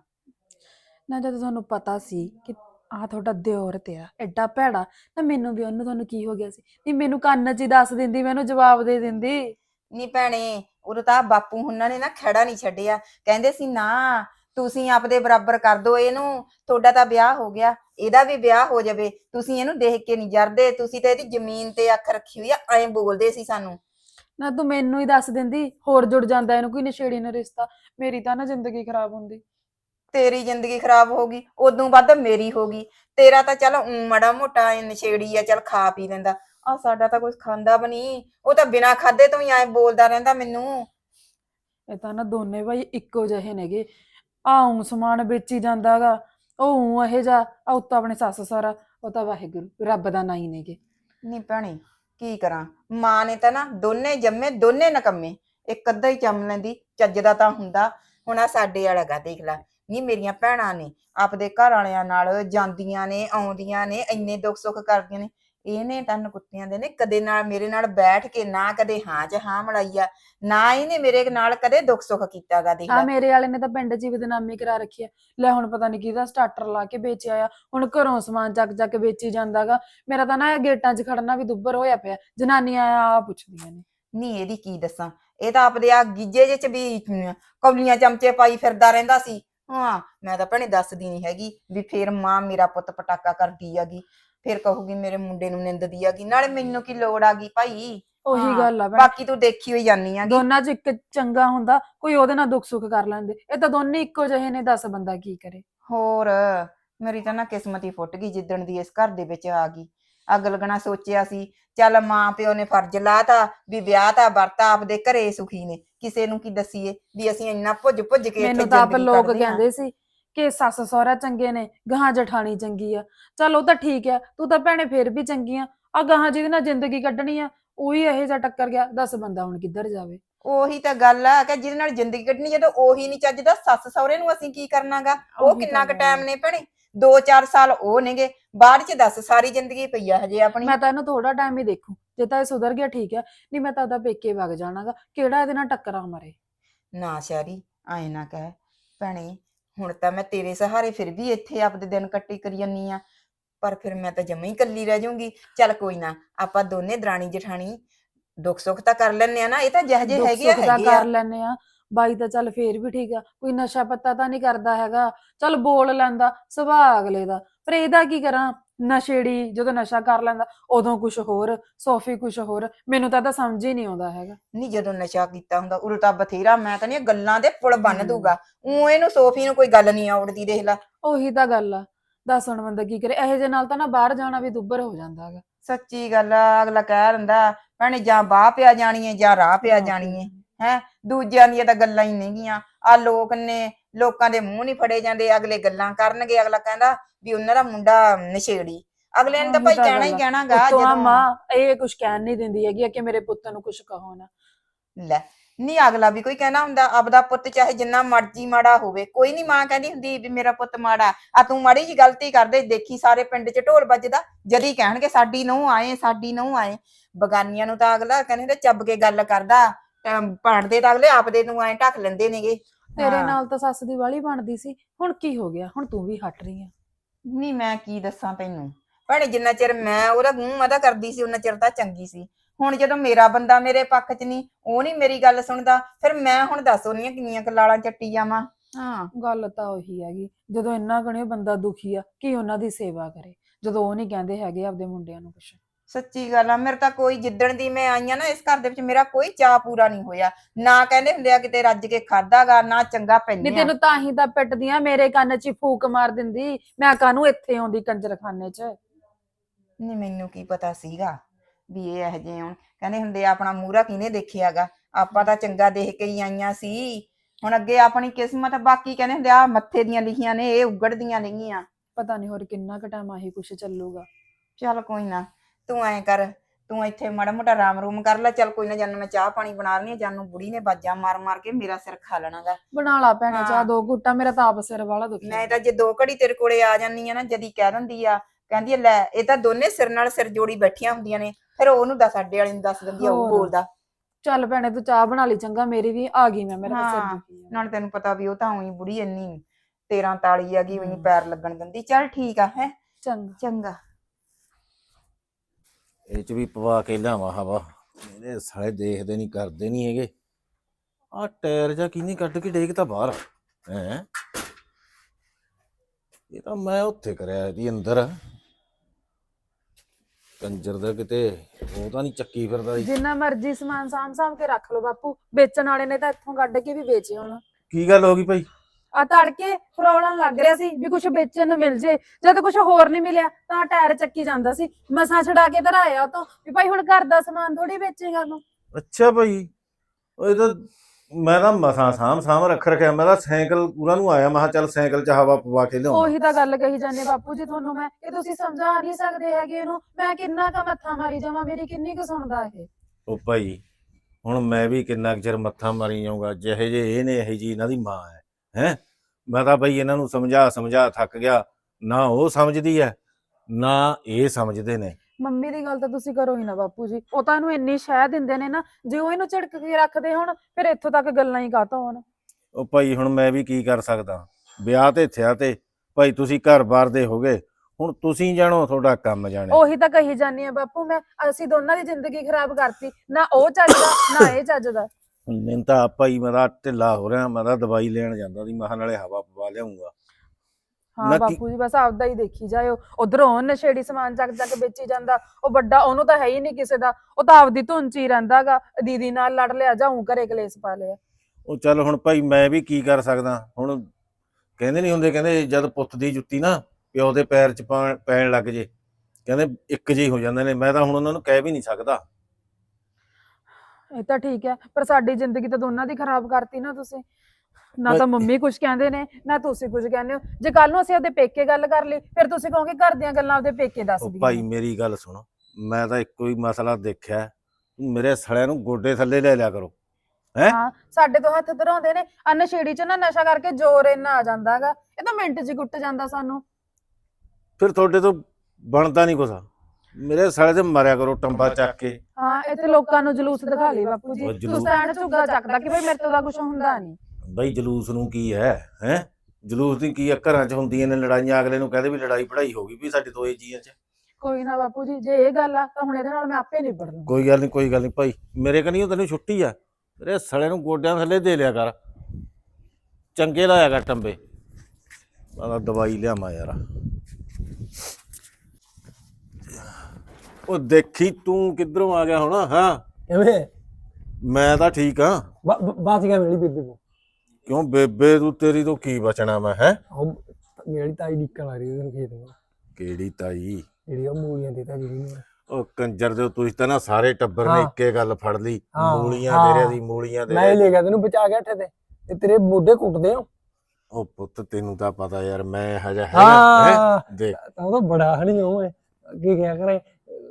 Speaker 2: ਨਾ ਜਦੋਂ ਤੁਹਾਨੂੰ ਪਤਾ ਸੀ ਕਿ ਆਹ ਤੁਹਾਡਾ ਦਿਓਰ ਤੇ ਆ ਐਡਾ ਭੈੜਾ ਨਾ ਮੈਨੂੰ ਵੀ ਉਹਨੂੰ ਤੁਹਾਨੂੰ ਕੀ ਹੋ ਗਿਆ ਸੀ ਨਹੀਂ ਮੈਨੂੰ ਕੰਨ 'ਚ ਹੀ ਦੱਸ ਦਿੰਦੀ ਮੈਨੂੰ ਜਵਾਬ ਦੇ ਦਿੰਦੀ
Speaker 5: ਨੀ ਭੈਣੇ ਉਦੋਂ ਤਾਂ ਬਾਪੂ ਹੁਣਾਂ ਨੇ ਨਾ ਖੜਾ ਨਹੀਂ ਛੱਡਿਆ ਕਹਿੰਦੇ ਸੀ ਨਾ ਤੁਸੀਂ ਆਪਦੇ ਬਰਾਬਰ ਕਰ ਦੋ ਇਹਨੂੰ ਤੁਹਾਡਾ ਤਾਂ ਵਿਆਹ ਹੋ ਗਿਆ ਇਹਦਾ ਵੀ ਵਿਆਹ ਹੋ ਜਾਵੇ ਤੁਸੀਂ ਇਹਨੂੰ ਦੇਖ ਕੇ ਨਹੀਂ ਜਰਦੇ ਤੁਸੀਂ ਤਾਂ ਇਹਦੀ ਜ਼ਮੀਨ ਤੇ ਅੱਖ ਰੱਖੀ ਹੋਈ ਆ ਐਂ ਬੋਲਦੇ ਸੀ ਸਾਨੂੰ
Speaker 2: ਨਾ ਤੂੰ ਮੈਨੂੰ ਹੀ ਦੱਸ ਦਿੰਦੀ ਹੋਰ ਜੁੜ ਜਾਂਦਾ ਇਹਨੂੰ ਕੋਈ ਨਸ਼ੇੜੀ ਨਾਲ ਰਿਸ਼ਤਾ ਮੇਰੀ ਤਾਂ ਨਾ ਜ਼ਿੰਦਗੀ ਖਰਾਬ ਹੁੰਦੀ
Speaker 5: ਤੇਰੀ ਜ਼ਿੰਦਗੀ ਖਰਾਬ ਹੋ ਗਈ ਉਦੋਂ ਵੱਧ ਮੇਰੀ ਹੋ ਗਈ ਤੇਰਾ ਤਾਂ ਚੱਲ ਮਾੜਾ ਮੋਟਾ ਨਸ਼ੇੜੀ ਆ ਚੱਲ ਖਾ ਪੀ ਲੈਂਦਾ ਆ ਸਾਡਾ ਤਾਂ ਕੁਝ ਖਾਂਦਾ ਵੀ ਨਹੀਂ ਉਹ ਤਾਂ ਬਿਨਾਂ ਖਾਦੇ ਤੋਂ ਹੀ ਐਂ ਬੋਲਦਾ ਰਹਿੰਦਾ ਮੈਨੂੰ
Speaker 2: ਇਹ ਤਾਂ ਨਾ ਦੋਨੇ ਭਾਈ ਇੱਕੋ ਜਿਹੇ ਨੇਗੇ ਆਉਂ ਸਮਾਨ ਵੇਚੀ ਜਾਂਦਾਗਾ ਉਹ ਇਹ ਜਾ ਉੱਤੋਂ ਆਪਣੇ ਸੱਸ ਸਹੁਰਾ ਉਹ ਤਾਂ ਵਾਹਿਗੁਰੂ ਰੱਬ ਦਾ ਨਾਂ ਹੀ ਨੇਗੇ
Speaker 5: ਨਹੀਂ ਭੈਣੇ ਕੀ ਕਰਾਂ ਮਾਂ ਨੇ ਤਾਂ ਨਾ ਦੋਨੇ ਜੰਮੇ ਦੋਨੇ ਨਕੰਮੇ ਇੱਕ ਅੱਧਾ ਹੀ ਚੰਮ ਲੈਂਦੀ ਚੱਜ ਦਾ ਤਾਂ ਹੁੰਦਾ ਹੁਣ ਆ ਸਾਡੇ ਵਾਲਾ ਗਾ ਦੇਖ ਲੈ ਨਹੀਂ ਮੇਰੀਆਂ ਭੈਣਾਂ ਨੇ ਆਪਦੇ ਘਰ ਵਾਲਿਆਂ ਨਾਲ ਜਾਂਦੀਆਂ ਨੇ ਆਉਂਦੀਆਂ ਨੇ ਇੰਨੇ ਦੁੱਖ ਸੁੱਖ ਕਰਦੀਆਂ ਨੇ ਇਹਨੇ ਤਾਂ ਕੁੱਤਿਆਂ ਦੇ ਨੇ ਕਦੇ ਨਾਲ ਮੇਰੇ ਨਾਲ ਬੈਠ ਕੇ ਨਾ ਕਦੇ ਹਾਂ ਚ ਹਾਂ ਮੜਾਈ ਆ ਨਾ ਇਹਨੇ ਮੇਰੇ ਨਾਲ ਕਦੇ ਦੁੱਖ ਸੁੱਖ ਕੀਤਾ ਗਾ ਦੇਖ
Speaker 2: ਆ
Speaker 5: ਲੈ
Speaker 2: ਮੇਰੇ ਵਾਲੇ ਨੇ ਤਾਂ ਪਿੰਡ 'ਚ ਹੀ ਬਦਨਾਮੀ ਕਰਾ ਰੱਖੀ ਆ ਲੈ ਹੁਣ ਪਤਾ ਨਹੀਂ ਕਿਹਦਾ ਸਟਾਰਟਰ ਲਾ ਕੇ ਵੇਚਿਆ ਆ ਹੁਣ ਘਰੋਂ ਸਮਾਨ ਚੱਕ ਵੇਚੀ ਜਾਂਦਾਗਾ ਮੇਰਾ ਤਾਂ ਨਾ ਗੇਟਾਂ 'ਚ ਖੜਨਾ ਵੀ ਦੁੱਬਰ ਹੋਇਆ ਪਿਆ ਜਨਾਨੀਆਂ ਆ ਪੁੱਛਦੀਆਂ ਨੇ
Speaker 5: ਨਹੀਂ ਇਹਦੀ ਕੀ ਦੱਸਾਂ ਇਹ ਤਾਂ ਆਪਦੇ ਆ ਗਿੱਜੇ ਜਿਹੇ ਚ ਵੀ ਕੌਲੀਆਂ ਚਮਚੇ ਪਾਈ ਫਿਰਦਾ ਰਹਿੰਦਾ ਸੀ ਹਾਂ ਮੈਂ ਤਾਂ ਭੈਣੇ ਦੱਸਦੀ ਨਹੀਂ ਹੈਗੀ ਵੀ ਫੇਰ ਮਾਂ ਮੇਰਾ ਪੁੱਤ ਪਟਾਕਾ ਕਰਦੀ ਆਗੀ ਫੇਰ ਕਹੂਗੀ ਮੇਰੇ ਮੁੰਡੇ ਨੂੰ ਨਿੰਦਦੀ ਆਗੀ ਨਾਲੇ ਮੈਨੂੰ ਕੀ ਲੋੜ ਆਗੀ ਭਾਈ
Speaker 2: ਉਹੀ
Speaker 5: ਹਾਂ,
Speaker 2: ਗੱਲ ਆ ਭੈਣੇ
Speaker 5: ਬਾਕੀ ਤੂੰ ਦੇਖੀ ਹੋਈ ਜਾਨੀ ਆਗੀ
Speaker 2: ਦੋਨਾਂ 'ਚ ਇੱਕ ਚੰਗਾ ਹੁੰਦਾ ਕੋਈ ਉਹਦੇ ਨਾਲ ਦੁੱਖ ਸੁੱਖ ਕਰ ਲੈਂਦੇ ਇਹ ਤਾਂ ਦੋਨੇ ਇੱਕੋ ਜਿਹੇ ਨੇ ਦੱਸ ਬੰਦਾ ਕੀ ਕਰੇ
Speaker 5: ਹੋਰ ਮੇਰੀ ਤਾਂ ਨਾ ਕਿਸਮਤ ਹੀ ਫੁੱਟ ਗਈ ਜਿੱਦਣ ਦੀ ਇਸ ਘਰ ਦੇ ਵਿੱਚ ਆ ਗਈ ਅੱਗ ਲੱਗਣਾ ਸੋਚਿਆ ਸੀ ਚੱਲ ਮਾਂ ਪਿਓ ਨੇ ਫਰਜ਼ ਲਾਤਾ ਵੀ ਵਿਆਹ ਤਾਂ ਵਰਤਾ ਆਪਦੇ ਘਰੇ ਸੁਖੀ ਨੇ ਕਿਸੇ ਨੂੰ ਕੀ ਦਸੀਏ ਵੀ ਅਸੀਂ ਇੰਨਾ ਭੁੱਜ ਕੇ ਇੱਥੇ
Speaker 2: ਮੈਨੂੰ ਤਾਂ ਆਪ
Speaker 5: ਜ਼ਿੰਦਗੀ
Speaker 2: ਲੋਕ
Speaker 5: ਕੱਢਦੇ ਆਂ।
Speaker 2: ਕਹਿੰਦੇ ਸੀ ਕਿ ਸੱਸ ਸਹੁਰਾ ਚੰਗੇ ਨੇ ਗਾਹਾਂ ਜਠਾਣੀ ਚੰਗੀ ਆ ਚੱਲ ਉਹ ਤਾਂ ਠੀਕ ਆ ਤੂੰ ਤਾਂ ਭੈਣੇ ਫੇਰ ਵੀ ਚੰਗੀ ਆ ਆ ਗਾਹਾਂ ਜਿਹਦੇ ਨਾਲ ਜ਼ਿੰਦਗੀ ਕੱਢਣੀ ਆ ਉਹੀ ਇਹੋ ਜਿਹਾ ਟੱਕਰ ਗਿਆ ਦੱਸ ਬੰਦਾ ਹੁਣ ਕਿੱਧਰ ਜਾਵੇ
Speaker 5: ਉਹੀ ਤਾਂ ਗੱਲ ਆ ਕਿ ਜਿਹਦੇ ਨਾਲ ਜ਼ਿੰਦਗੀ ਕੱਢਣੀ ਜਦੋਂ ਉਹੀ ਨਹੀਂ ਚੱਜਦਾ ਸੱਸ ਸਹੁਰੇ ਨੂੰ ਅਸੀਂ ਕੀ ਕਰਨਾਗਾ ਉਹ
Speaker 2: ਉਹੀ
Speaker 5: ਕਿੰਨਾ ਕੁ
Speaker 2: ਤਾਂ ਗੱਲ
Speaker 5: ਟਾਈਮ ਨੇ ਭੈਣੇ 2-4 ਸਾਲ ਉਹ ਨੇਗੇ ਬਾਅਦ ਚ ਦੱਸ, ਸਾਰੀ ਜ਼ਿੰਦਗੀ ਪਈ ਆ ਹਜੇ ਆਪਣੀ।
Speaker 2: ਮੈਂ ਤਾਂ ਇਹਨੂੰ ਥੋੜਾ ਟਾਈਮ ਹੀ ਦੇਖੂ, ਜੇ ਤਾਂ ਇਹ ਸੁਧਰ ਗਿਆ ਠੀਕ ਹੈ, ਨਹੀਂ ਮੈਂ ਤਾਂ ਉਹਦਾ ਪੇਕੇ ਵਗ ਜਾਣਾਗਾ, ਕਿਹੜਾ ਇਹਦੇ ਨਾਲ ਟੱਕਰਾਂ ਮਰੇ।
Speaker 5: ਨਾ ਸ਼ਹਿਰੀ, ਐ ਨਾ ਕਹਿ ਭੈਣੇ, ਹੁਣ ਤਾਂ ਮੈਂ ਤੇਰੇ ਸਹਾਰੇ ਫਿਰ ਵੀ ਇੱਥੇ ਆਪਦੇ ਦਿਨ ਕੱਟੀ ਕਰੀ ਜਾਨੀ ਆ, ਪਰ ਫਿਰ ਮੈਂ ਤਾਂ ਜਮਾਂ ਹੀ ਇਕੱਲੀ ਰਹਿ ਜਾਊਂਗੀ। ਚੱਲ ਕੋਈ ਨਾ, ਆਪਾਂ ਦੋਨੇ ਦਰਾਣੀ ਜਠਾਣੀ ਦੁੱਖ ਸੁੱਖ ਤਾਂ ਕਰ ਲੈਨੇ ਆ ਨਾ, ਇਹ ਤਾਂ ਜਿਹੇ ਜਿਹੇ
Speaker 2: ਦੁੱਖ
Speaker 5: ਹੈਗੇ ਆ
Speaker 2: ਸੁੱਖ ਦਾ
Speaker 5: ਹੈਗੇ ਆ।
Speaker 2: ਕਰ ਲੈਨੇ ਆ। ਬਾਈ ਤਾਂ ਚੱਲ ਫੇਰ ਵੀ ਠੀਕ ਆ, ਕੋਈ ਨਸ਼ਾ ਪੱਤਾ ਤਾਂ ਨਹੀਂ ਕਰਦਾ ਹੈਗਾ, ਚੱਲ ਬੋਲ ਲੈਂਦਾ, ਸੁਭਾਅ ਅਗਲੇ ਦਾ। ਪਰ ਇਹਦਾ ਕੀ ਕਰਾਂ, ਨਸ਼ੇੜੀ ਜਦੋਂ ਨਸ਼ਾ ਕਰ ਲੈਂਦਾ ਉਦੋਂ ਕੁਝ ਹੋਰ, ਸੋਫੀ ਕੁਝ ਹੋਰ, ਮੈਨੂੰ ਤਾਂ ਸਮਝ ਹੀ ਨਹੀਂ ਆਉਂਦਾ ਹੈਗਾ।
Speaker 5: ਨਹੀਂ ਜਦੋਂ ਨਸ਼ਾ ਕੀਤਾ ਹੁੰਦਾ ਉਲਟਾ ਬਥੇਰਾ, ਮੈਂ ਤਾਂ ਨਹੀਂ ਗੱਲਾਂ ਦੇ ਪੁਲ ਬੰਨ ਦੂਗਾ। ਉਹ ਇਹਨੂੰ ਸੋਫੀ ਨੂੰ ਕੋਈ ਗੱਲ ਨਹੀਂ ਆਉੜਦੀ, ਦੇਖ ਲੈ।
Speaker 2: ਉਹੀ ਤਾਂ ਗੱਲ ਆ, ਦੱਸ ਹੁਣ ਬੰਦਾ ਕੀ ਕਰੇ, ਇਹੋ ਜਿਹੇ ਨਾਲ ਤਾਂ ਨਾ ਬਾਹਰ ਜਾਣਾ ਵੀ ਦੁੱਬਰ ਹੋ ਜਾਂਦਾ ਹੈਗਾ।
Speaker 5: ਸੱਚੀ ਗੱਲ ਆ, ਅਗਲਾ ਕਹਿ ਦਿੰਦਾ ਭੈਣੇ ਜਾਂ ਬਾਹ ਪਿਆ ਜਾਣੀਏ ਜਾਂ ਰਾਹ ਪਿਆ ਜਾਣੀਏ। ਹੈ ਦੂਜਿਆਂ ਦੀਆਂ ਤਾਂ ਗੱਲਾਂ ਹੀ ਨਹੀਂਗੀਆਂ, ਆ ਲੋਕ ਨੇ, ਲੋਕਾਂ ਦੇ ਮੂੰਹ ਨਹੀਂ ਫੜੇ ਜਾਂਦੇ, ਅਗਲੇ ਗੱਲਾਂ ਕਰਨਗੇ। ਅਗਲਾ ਕਹਿੰਦਾ ਵੀ ਉਹਨਾਂ ਦਾ ਮੁੰਡਾ ਨਸ਼ੇੜੀ, ਅਗਲੇ ਨੇ ਤਾਂ
Speaker 2: ਉਹੀ
Speaker 5: ਭਾਈ
Speaker 2: ਤਾਂ
Speaker 5: ਕਹਿਣਾ
Speaker 2: ਗੱਲ
Speaker 5: ਹੀ
Speaker 2: ਆ।
Speaker 5: ਕਹਿਣਾਗਾ।
Speaker 2: ਉੱਤੋਂ ਆ
Speaker 5: ਜਦੋਂ
Speaker 2: ਮਾਂ ਇਹ ਕੁਝ ਕਹਿਣ ਨਹੀਂ ਦਿੰਦੀ ਹੈਗੀ ਕਿ ਮੇਰੇ ਪੁੱਤ ਨੂੰ ਕੁਝ ਕਹੋ ਨਾ।
Speaker 5: ਲੈ ਨਹੀਂ, ਅਗਲਾ ਵੀ ਕੋਈ ਕਹਿਣਾ ਹੁੰਦਾ ਆਪਦਾ ਪੁੱਤ ਚਾਹੇ ਜਿੰਨਾ ਮਰਜੀ ਮਾੜਾ ਹੋਵੇ, ਕੋਈ ਨਹੀਂ ਮਾਂ ਕਹਿੰਦੀ ਹੁੰਦੀ ਵੀ ਮੇਰਾ ਪੁੱਤ ਮਾੜਾ ਆ, ਤੂੰ ਮਾੜੀ ਜੀ ਗਲਤੀ ਕਰਦੇ ਦੇਖੀ ਸਾਰੇ ਪਿੰਡ 'ਚ ਢੋਲ ਵੱਜਦਾ, ਜਦੀ ਕਹਿਣਗੇ ਸਾਡੀ ਨੂੰਹ ਆਏ, ਸਾਡੀ ਨੂੰਹ ਆਏ। ਬਗਾਨੀਆਂ ਨੂੰ ਤਾਂ ਅਗਲਾ ਕਹਿੰਦੇ ਚੱਬ ਕੇ ਗੱਲ ਕਰਦਾ, ਪੜਦੇ ਤਾਂ ਅਗਲੇ ਆਪਦੇ ਨੂੰ ਐ ਢੱਕ ਲੈਂਦੇ ਨੇਗੇ।
Speaker 2: ਤੇਰੇ
Speaker 5: ਹਾਂ।
Speaker 2: ਨਾਲ ਤਾਂ ਸੱਸ ਦੀ ਵਾਲੀ ਬਣਦੀ ਸੀ, ਹੁਣ ਕੀ ਹੋ ਗਿਆ, ਹੁਣ ਤੂੰ ਵੀ ਹਟ ਰਹੀ ਆ।
Speaker 5: ਨਹੀਂ ਮੈਂ ਕੀ ਦੱਸਾਂ ਤੈਨੂੰ ਭੈਣੇ, ਜਿੰਨਾ ਚਿਰ ਮੈਂ ਉਹਦਾ ਮੂੰਹ ਮਦਾ ਕਰਦੀ ਸੀ ਉਹਨਾਂ ਚਿਰ ਤਾਂ ਚੰਗੀ ਸੀ। ਹੁਣ ਜਦੋਂ ਮੇਰਾ ਬੰਦਾ ਮੇਰੇ ਪੱਖ 'ਚ ਨਹੀਂ, ਉਹ ਨਹੀਂ ਮੇਰੀ ਗੱਲ ਸੁਣਦਾ, ਫਿਰ ਮੈਂ ਹੁਣ ਦੱਸ ਉਹਨੀਆਂ ਕਿੰਨੀਆਂ ਕੁ ਲਾਲਾਂ ਚੱਟੀ ਜਾਵਾਂ। ਹਾਂ
Speaker 2: ਗੱਲ ਤਾਂ ਉਹੀ ਹੈਗੀ, ਜਦੋਂ ਇੰਨਾ ਗਣੇ ਬੰਦਾ ਦੁਖੀ ਆ, ਕੀ ਉਹਨਾਂ ਦੀ ਸੇਵਾ ਕਰੇ, ਜਦੋਂ ਉਹ ਨਹੀਂ ਕਹਿੰਦੇ ਹੈਗੇ ਆਪਦੇ ਮੁੰਡਿਆਂ ਨੂੰ ਕੁਛ।
Speaker 5: ਸੱਚੀ ਗੱਲ ਆ, ਮੇਰੇ ਤਾਂ ਕੋਈ ਜਿੱਦਣ ਦੀ ਮੈਂ ਆਈ ਆ ਨਾ ਇਸ ਘਰ ਦੇ ਵਿੱਚ, ਮੇਰਾ ਕੋਈ ਚਾਅ ਪੂਰਾ ਨਹੀਂ ਹੋਇਆ। ਨਾ ਕਹਿੰਦੇ ਹੁੰਦੇ ਆ ਕਿਤੇ ਰੱਜ ਕੇ ਖਾਦਾਗਾ, ਨਾ ਚੰਗਾ
Speaker 2: ਨਹੀਂ
Speaker 5: ਪੈਂਦੇ ਆ।
Speaker 2: ਤੈਨੂੰ ਤਾਂ ਹੀ ਤਾਂ ਪਿੱਟਦੀ ਆ, ਮੇਰੇ ਕੰਨ 'ਚ ਹੀ ਫੂਕ ਮਾਰ ਦਿੰਦੀ, ਮੈਂ ਕਾਹਨੂੰ ਇੱਥੇ ਆਉਂਦੀ ਕੰਜਰਖਾਨੇ 'ਚ।
Speaker 5: ਨਹੀਂ ਮੈਨੂੰ ਕੀ ਪਤਾ ਸੀਗਾ ਵੀ ਇਹ ਇਹੋ ਜਿਹੇ ਹੋਣ। ਕਹਿੰਦੇ ਹੁੰਦੇ ਆ ਆਪਣਾ ਮੂਹਰਾ ਕਿਹਨੇ ਦੇਖਿਆਗਾ, ਆਪਾਂ ਤਾਂ ਚੰਗਾ ਦੇਖ ਕੇ ਹੀ ਆਈਆਂ ਸੀ। ਹੁਣ ਅੱਗੇ ਆਪਣੀ ਕਿਸਮਤ, ਬਾਕੀ ਕਹਿੰਦੇ ਹੁੰਦੇ ਆ ਮੱਥੇ ਦੀਆਂ ਲਿਖੀਆਂ ਨੇ, ਇਹ ਉਗੜਦੀਆਂ ਨਹੀਂਆਂ।
Speaker 2: ਪਤਾ ਨਹੀਂ ਹੋਰ ਕਿੰਨਾ ਕੁ ਟਾਈਮ ਆਹੀ ਕੁਛ ਚੱਲੂਗਾ।
Speaker 5: ਚੱਲ ਕੋਈ ਨਾ, ਤੂੰ ਐਂ ਕਰ, ਤੂੰ ਇੱਥੇ ਮਾੜਾ ਮੋਟਾ ਰਾਮ ਰੂਮ ਕਰ ਲੈ। ਚੱਲ ਕੋਈ ਨਾ, ਜਾਨੂੰ ਮੈਂ ਚਾਹ ਪਾਣੀ ਬਣਾ ਰਹੀ ਆ, ਜਾਨੂੰ ਬੁੜੀ ਨੇ ਬਾਜਾਂ ਮਾਰ ਮਾਰ ਕੇ ਮੇਰਾ ਸਿਰ ਖਾ ਲੈਣਾਗਾ।
Speaker 2: ਬਣਾ ਲਾ ਭੈਣੇ ਚਾਹ
Speaker 5: ਹਾਂ।
Speaker 2: ਦੋ ਘੁੱਟਾਂ, ਮੇਰਾ ਤਾਂ ਆਪ ਸਿਰ ਵਾਲਾ ਦੁਖੀ
Speaker 5: ਮੈਂ ਤਾਂ ਜੇ 2 ਘੜੀ ਤੇਰੇ ਕੋਲੇ ਆ ਜਾਨੀ ਆ ਨਾ, ਜਦੀ ਕਹਿ ਦਿੰਦੀ ਆ, ਕਹਿੰਦੀ ਆ ਲੈ ਇਹ ਤਾਂ ਦੋਨੇ ਸਿਰ ਨਾਲ ਸਿਰ ਜੋੜੀ ਬੈਠੀਆਂ ਹੁੰਦੀਆਂ ਨੇ, ਫਿਰ ਉਹਨੂੰ ਦੱਸ ਸਾਡੇ ਵਾਲੀ ਨੂੰ ਦੱਸ ਦਿੰਦੀ ਆ, ਉਹ
Speaker 2: ਹੋਰ।
Speaker 5: ਬੋਲਦਾ।
Speaker 2: ਚੱਲ ਭੈਣੇ ਤੂੰ ਚਾਹ ਬਣਾ ਲਈ, ਚੰਗਾ ਮੇਰੀ ਵੀ ਆ ਗਈ, ਮੈਂ ਮੇਰਾ ਤਾਂ ਸਿਰ
Speaker 5: ਹਾਂ,
Speaker 2: ਦੁਖੀ ਆ।
Speaker 5: ਨਾਲ ਤੈਨੂੰ ਪਤਾ ਵੀ ਉਹ ਤਾਂ ਉਹੀ ਬੁੜੀ ਇੰਨੀ 13 ਤਾਲੀ ਆ ਗਈ, ਵੀ ਨਹੀਂ ਪੈਰ ਲੱਗਣ ਦਿੰਦੀ। ਚੱਲ ਠੀਕ ਆ, ਹੈ
Speaker 2: ਚੰਗਾ।
Speaker 5: ਚੰਗਾ।
Speaker 3: ਇਹ ਚ ਵੀ ਪਵਾ ਕੇ ਲਿਆਵਾਂ ਹਵਾ, ਇਹਦੇ ਸਾਲੇ ਦੇਖਦੇ ਨਹੀਂ ਕਰਦੇ ਨਹੀਂ ਹੈਗੇ। ਆ ਟਾਇਰ ਜਾਂ ਕਿਹਨੇ ਕੱਢ ਕੇ ਡੇਕ ਤਾਂ ਬਾਹਰ ਹੈ, ਇਹ ਤਾਂ ਮੈਂ ਉੱਥੇ ਕਰਿਆ ਇਹਦੀ ਅੰਦਰ। ਕੰਜਰ ਦਾ ਕਿਤੇ ਉਹ ਤਾਂ ਨਹੀਂ ਚੱਕੀ ਫਿਰਦਾ ਜੀ।
Speaker 2: ਜਿੰਨਾ ਮਰਜ਼ੀ ਸਮਾਨ ਸਾਂਭ ਕੇ ਰੱਖ ਲਓ ਬਾਪੂ, ਵੇਚਣ ਵਾਲੇ ਨੇ ਤਾਂ ਇੱਥੋਂ ਕੱਢ ਕੇ ਵੀ ਵੇਚੇ ਹੋਣਾ।
Speaker 3: ਕੀ ਗੱਲ ਹੋ ਗਈ ਭਾਈ?
Speaker 2: ਆ ਤੜਕੇ ਫਰੋਲਣ ਲੱਗ ਰਿਹਾ ਸੀ ਵੀ ਕੁਝ ਵੇਚਣ ਨੂੰ ਮਿਲ ਜੇ, ਜਦ ਕੁਝ ਹੋਰ ਨਹੀਂ ਮਿਲਿਆ ਤਾਂ ਟਾਇਰ ਚੱਕੀ ਜਾਂਦਾ ਸੀ, ਮਸਾਂ ਛਡਾ ਕੇ ਧਰਾਇਆ ਉਹ ਤੋਂ ਵੀ ਭਾਈ ਹੁਣ ਘਰ ਦਾ ਸਮਾਨ ਥੋੜੀ ਵੇਚੇਗਾ ਤੂੰ।
Speaker 3: ਅੱਛਾ ਭਾਈ, ਉਹ ਇਹ ਤਾਂ ਮੈਂ ਤਾਂ ਮਸਾਂ ਸਾਂਭ ਰੱਖ ਰੱਖਿਆ। ਮੈਂ ਤਾਂ ਸਾਈਕਲ ਪੂਰਾ ਨੂੰ ਆਇਆ, ਮੈਂ ਕਿਹਾ ਚੱਲ ਸਾਈਕਲ 'ਚ ਹਵਾ ਪਵਾ ਕੇ ਲਿਆਉਣਾ।
Speaker 2: ਉਹੀ ਤਾਂ ਗੱਲ ਕਹੀ ਜਾਂਦੇ ਬਾਪੂ ਜੀ ਤੁਹਾਨੂੰ ਮੈਂ, ਕਿ ਤੁਸੀਂ ਸਮਝਾ ਨਹੀਂ ਸਕਦੇ ਹੈਗੇ ਇਹਨੂੰ, ਮੈਂ ਕਿੰਨਾ ਕੁ ਮੱਥਾ ਮਾਰੀ ਜਾਵਾਂ, ਮੇਰੀ ਕਿੰਨੀ ਕੁ ਸੁਣਦਾ ਇਹ।
Speaker 3: ਉਹ ਭਾਈ ਹੁਣ ਮੈਂ ਵੀ ਕਿੰਨਾ ਕੁ ਚਿਰ ਮੱਥਾ ਮਾਰੀ ਜਾਊਂਗਾ, ਜਿਹੇ ਜੇ ਇਹ ਨੇ ਇਹੀ ਜੀ ਇਹਨਾਂ ਦੀ ਮਾਂ ਹੈ। ਮੈਂ ਤਾਂ ਬਈ ਇਹਨਾਂ ਨੂੰ ਸਮਝਾ ਥੱਕ ਗਿਆ, ਨਾ ਉਹ ਸਮਝਦੀ ਹੈ ਨਾ ਇਹ ਸਮਝਦੇ ਨੇ।
Speaker 2: ਮੰਮੀ ਦੀ ਗੱਲ ਤਾਂ ਤੁਸੀਂ ਕਰੋ ਹੀ ਨਾ ਬਾਪੂ ਜੀ, ਉਹ ਤਾਂ ਇਹਨੂੰ ਇੰਨੀ ਸ਼ਹਿ ਦਿੰਦੇ ਨੇ ਨਾ, ਜੇ ਉਹ ਇਹਨੂੰ ਝਿੜਕ ਕੇ ਰੱਖਦੇ ਹੁਣ ਫਿਰ ਇੱਥੋਂ ਤੱਕ ਗੱਲਾਂ ਹੀ ਕਾਹਤੋਂ ਹੋਣ।
Speaker 3: ਉਹ ਭਾਈ ਹੁਣ ਮੈਂ ਵੀ ਕੀ ਕਰ ਸਕਦਾ, ਵਿਆਹ ਤੇ ਥਿਆ ਤੇ ਭਾਈ ਤੁਸੀਂ ਘਰ-ਬਾਰ ਦੇ ਹੋਗੇ, ਹੁਣ ਤੁਸੀਂ ਜਾਣੋ ਤੁਹਾਡਾ ਕੰਮ ਜਾਣੇ।
Speaker 2: ਉਹੀ ਤਾਂ ਕਹੀ ਜਾਂਦੀ ਆ ਬਾਪੂ ਮੈਂ, ਅਸੀਂ ਦੋਨਾਂ ਦੀ ਜ਼ਿੰਦਗੀ ਖਰਾਬ ਕਰਤੀ, ਨਾ ਉਹ ਚੱਜਦਾ ਨਾ ਇਹ ਚੱਜਦਾ।
Speaker 3: ਮੈਨੂੰ ਤਾਂ ਆਪਾ ਹੀ ਮੈਂ ਤਾਂ ਢਿੱਲਾ ਹੋ ਰਿਹਾ, ਮੈਂ ਤਾਂ ਦਵਾਈ ਲੈਣ ਜਾਂਦਾ ਸੀ, ਮੈਂ ਨਾਲੇ ਹਵਾ ਪਵਾ ਲਿਆਉਂਗਾ।
Speaker 2: ਹਾਂ ਬਾਪੂ ਜੀ ਬਸ ਆਪਦਾ ਹੀ ਦੇਖੀ ਜਾਇਓ, ਉਧਰੋਂ ਨਸ਼ੇੜੀ ਸਮਾਨ ਚੱਕ ਵੇਚੀ ਜਾਂਦਾ, ਉਹ ਵੱਡਾ ਉਹਨੂੰ ਤਾਂ ਹੈ ਹੀ ਨਹੀਂ ਕਿਸੇ ਦਾ, ਉਹ ਤਾਂ ਆਪਦੀ ਧੁਨ ਚ ਹੀ ਰਹਿੰਦਾਗਾ, ਦੀਦੀ ਨਾਲ ਲੜ ਲਿਆ ਜਾਊਂ ਘਰੇ ਕਲੇਸ਼ ਪਾ ਲਿਆ।
Speaker 3: ਉਹ ਚੱਲ ਹੁਣ ਭਾਈ ਮੈਂ ਵੀ ਕੀ ਕਰ ਸਕਦਾ, ਹੁਣ ਕਹਿੰਦੇ ਨਹੀਂ ਹੁੰਦੇ, ਕਹਿੰਦੇ ਜਦ ਪੁੱਤ ਦੀ ਜੁੱਤੀ ਨਾ ਪਿਓ ਦੇ ਪੈਰ 'ਚ ਪੈਣ ਲੱਗ ਜੇ, ਕਹਿੰਦੇ ਇੱਕ ਜਿਹੇ ਹੋ ਜਾਂਦੇ ਨੇ। ਮੈਂ ਤਾਂ ਹੁਣ ਉਹਨਾਂ ਨੂੰ ਕਹਿ ਵੀ ਨਹੀਂ ਸਕਦਾ।
Speaker 2: ਇਹ ਤਾਂ ਠੀਕ ਹੈ, ਪਰ ਸਾਡੀ ਜ਼ਿੰਦਗੀ ਤਾਂ ਦੋਨਾਂ ਦੀ ਖਰਾਬ ਕਰਤੀ ਨਾ ਤੁਸੀਂ, ਨਾ ਤਾਂ ਮੰਮੀ ਕੁਝ ਕਹਿੰਦੇ ਨੇ ਨਾ ਤੁਸੀਂ ਕੁਝ ਕਹਿੰਦੇ ਹੋ। ਜੇ ਕੱਲ ਨੂੰ ਅਸੀਂ ਆਪਦੇ ਪੇਕੇ ਗੱਲ ਕਰ ਲਈ ਫਿਰ ਤੁਸੀਂ ਕਹੋਗੇ ਘਰ ਦੀਆਂ ਗੱਲਾਂ ਆਪਦੇ ਪੇਕੇ ਦੱਸ
Speaker 3: ਉਹ
Speaker 2: ਦੀਆਂ।
Speaker 3: ਭਾਈ ਮੇਰੀ ਗੱਲ ਸੁਣੋ, ਮੈਂ ਤਾਂ ਇੱਕੋ ਹੀ ਮਸਲਾ ਦੇਖਿਆ, ਮੇਰੇ ਸੜਿਆਂ ਨੂੰ ਗੋਡੇ ਥੱਲੇ ਲੈ ਲਿਆ ਕਰੋ।
Speaker 2: ਹਾਂ ਸਾਡੇ ਤੋਂ ਹੱਥ ਧਰਾਉਂਦੇ ਨੇ, ਆ ਨਸ਼ੇੜੀ ਚ ਨਾ ਨਸ਼ਾ ਕਰਕੇ ਜ਼ੋਰ ਇੰਨਾ ਆ ਜਾਂਦਾ ਹੈਗਾ, ਇਹ ਤਾਂ ਮਿੰਟ 'ਚ ਗੁੱਟ ਜਾਂਦਾ ਸਾਨੂੰ।
Speaker 3: ਫਿਰ ਤੁਹਾਡੇ ਤੋਂ ਬਣਦਾ ਨਹੀਂ ਕੁਛ। ਮੇਰੇ ਸਾਲੇ ਤੇ ਮਰਿਆ ਕਰੋ ਟੰਬਾ ਚੱਕ ਕੇ।
Speaker 2: ਹਾਂ ਇੱਥੇ ਲੋਕਾਂ ਨੂੰ ਜਲੂਸ ਦਿਖਾ ਲਈ ਬਾਪੂ ਜੀ,
Speaker 3: ਉਹ
Speaker 2: ਤੂੰ
Speaker 3: ਜਲੂਸ-
Speaker 2: ਸਟੈਂਡ ਝੁੱਗਾ ਚੱਕਦਾ ਕਿ ਬਈ ਮੇਰੇ ਤੋਂ ਤਾਂ ਕੁਝ ਹੁੰਦਾ ਨਹੀਂ।
Speaker 3: ਬਈ ਜਲੂਸ ਨੂੰ ਕੀ ਹੈ ਜਲੂਸ ਦੀ ਕੀ ਆ, ਘਰਾਂ 'ਚ ਹੁੰਦੀਆਂ ਨੇ ਲੜਾਈਆਂ, ਅਗਲੇ ਨੂੰ ਕਹਦੇ ਵੀ ਲੜਾਈ ਪੜਾਈ ਹੋ ਗਈ ਵੀ ਸਾਡੇ ਦੋਏ ਜੀਆਂ 'ਚ।
Speaker 2: ਕੋਈ ਨਾ ਬਾਪੂ ਜੀ, ਜੇ ਇਹ ਗੱਲ ਆ ਤਾਂ ਹੁਣ ਇਹਦੇ ਨਾਲ ਮੈਂ ਆਪੇ ਨਿਬੜ ਲੂੰ।
Speaker 3: ਕੋਈ ਗੱਲ ਨਹੀਂ ਭਾਈ, ਮੇਰੇ ਕਨੀ ਤੈਨੂੰ ਛੁੱਟੀ ਆ। ਤੇਰੇ ਸਾਲੇ ਨੂੰ ਗੋਡਿਆਂ ਥੱਲੇ ਦੇ ਲਿਆ ਕਰ, ਚੰਗੇ ਲਾਇਆ ਕਰ ਟੰਬੇ। ਮੈਂ ਦਵਾਈ ਲਿਆਵਾਂ ਯਾਰ। ਉਹ ਦੇਖੀ ਤੂੰ ਕਿੱਧਰੋਂ ਆ ਗਿਆ ਹੁਣ। ਹਾਂ
Speaker 4: ਕਿਵੇਂ
Speaker 3: ਮੈਂ ਤਾਂ ਠੀਕ ਆ।
Speaker 4: ਬਚ ਗਿਆ ਮੇਰੀ ਬੇਬੇ ਕੋ।
Speaker 3: ਕਿਉਂ ਬੇਬੇ ਤੂੰ, ਤੇਰੀ ਤੋਂ ਕੀ ਬਚਣਾ ਮੈਂ ਹੈ।
Speaker 4: ਉਹ ਮੇਰੀ ਤਾਈ ਨਿਕਲ ਆ ਰਹੀ ਉਹਨੂੰ ਖੇਤ ਨੂੰ,
Speaker 3: ਕਿਹੜੀ ਤਾਈ?
Speaker 4: ਜਿਹੜੀ ਉਹ ਮੂਲੀਆਂ ਦੀ ਤਾਂ ਜਿਹੜੀ ਨੂੰ
Speaker 3: ਉਹ ਕੰਜਰ ਦੇ ਤੁਸੀਂ ਤਾਂ ਨਾ ਸਾਰੇ ਟੱਬਰ ਨੇ
Speaker 4: ਹਾਂ।
Speaker 3: ਇੱਕੇ ਗੱਲ ਫੜ ਲਈ,
Speaker 4: ਹਾਂ,
Speaker 3: ਮੂਲੀਆਂ
Speaker 4: ਹਾਂ।
Speaker 3: ਤੇਰੇ ਦੀ ਮੂਲੀਆਂ
Speaker 4: ਮੈਂ
Speaker 3: ਤੇਰੇ।
Speaker 4: ਲੈ ਗਿਆ ਤੈਨੂੰ ਬਚਾ ਕੇ ਹੱਥੇ ਤੇ ਤੇਰੇ ਮੋਢੇ ਕੁੱਟਦੇ ਆ।
Speaker 3: ਉਹ ਪੁੱਤ ਤੈਨੂੰ ਤਾਂ ਪਤਾ ਯਾਰ ਮੈਂ ਹਜਾ ਹੈਗਾ
Speaker 4: ਹਾਂ
Speaker 3: ਦੇਖ।
Speaker 4: ਤਾਂ ਉਹ ਬੜਾ ਹਣੀ ਹੋ ਕੀ ਕਿਆ ਕਰੇ,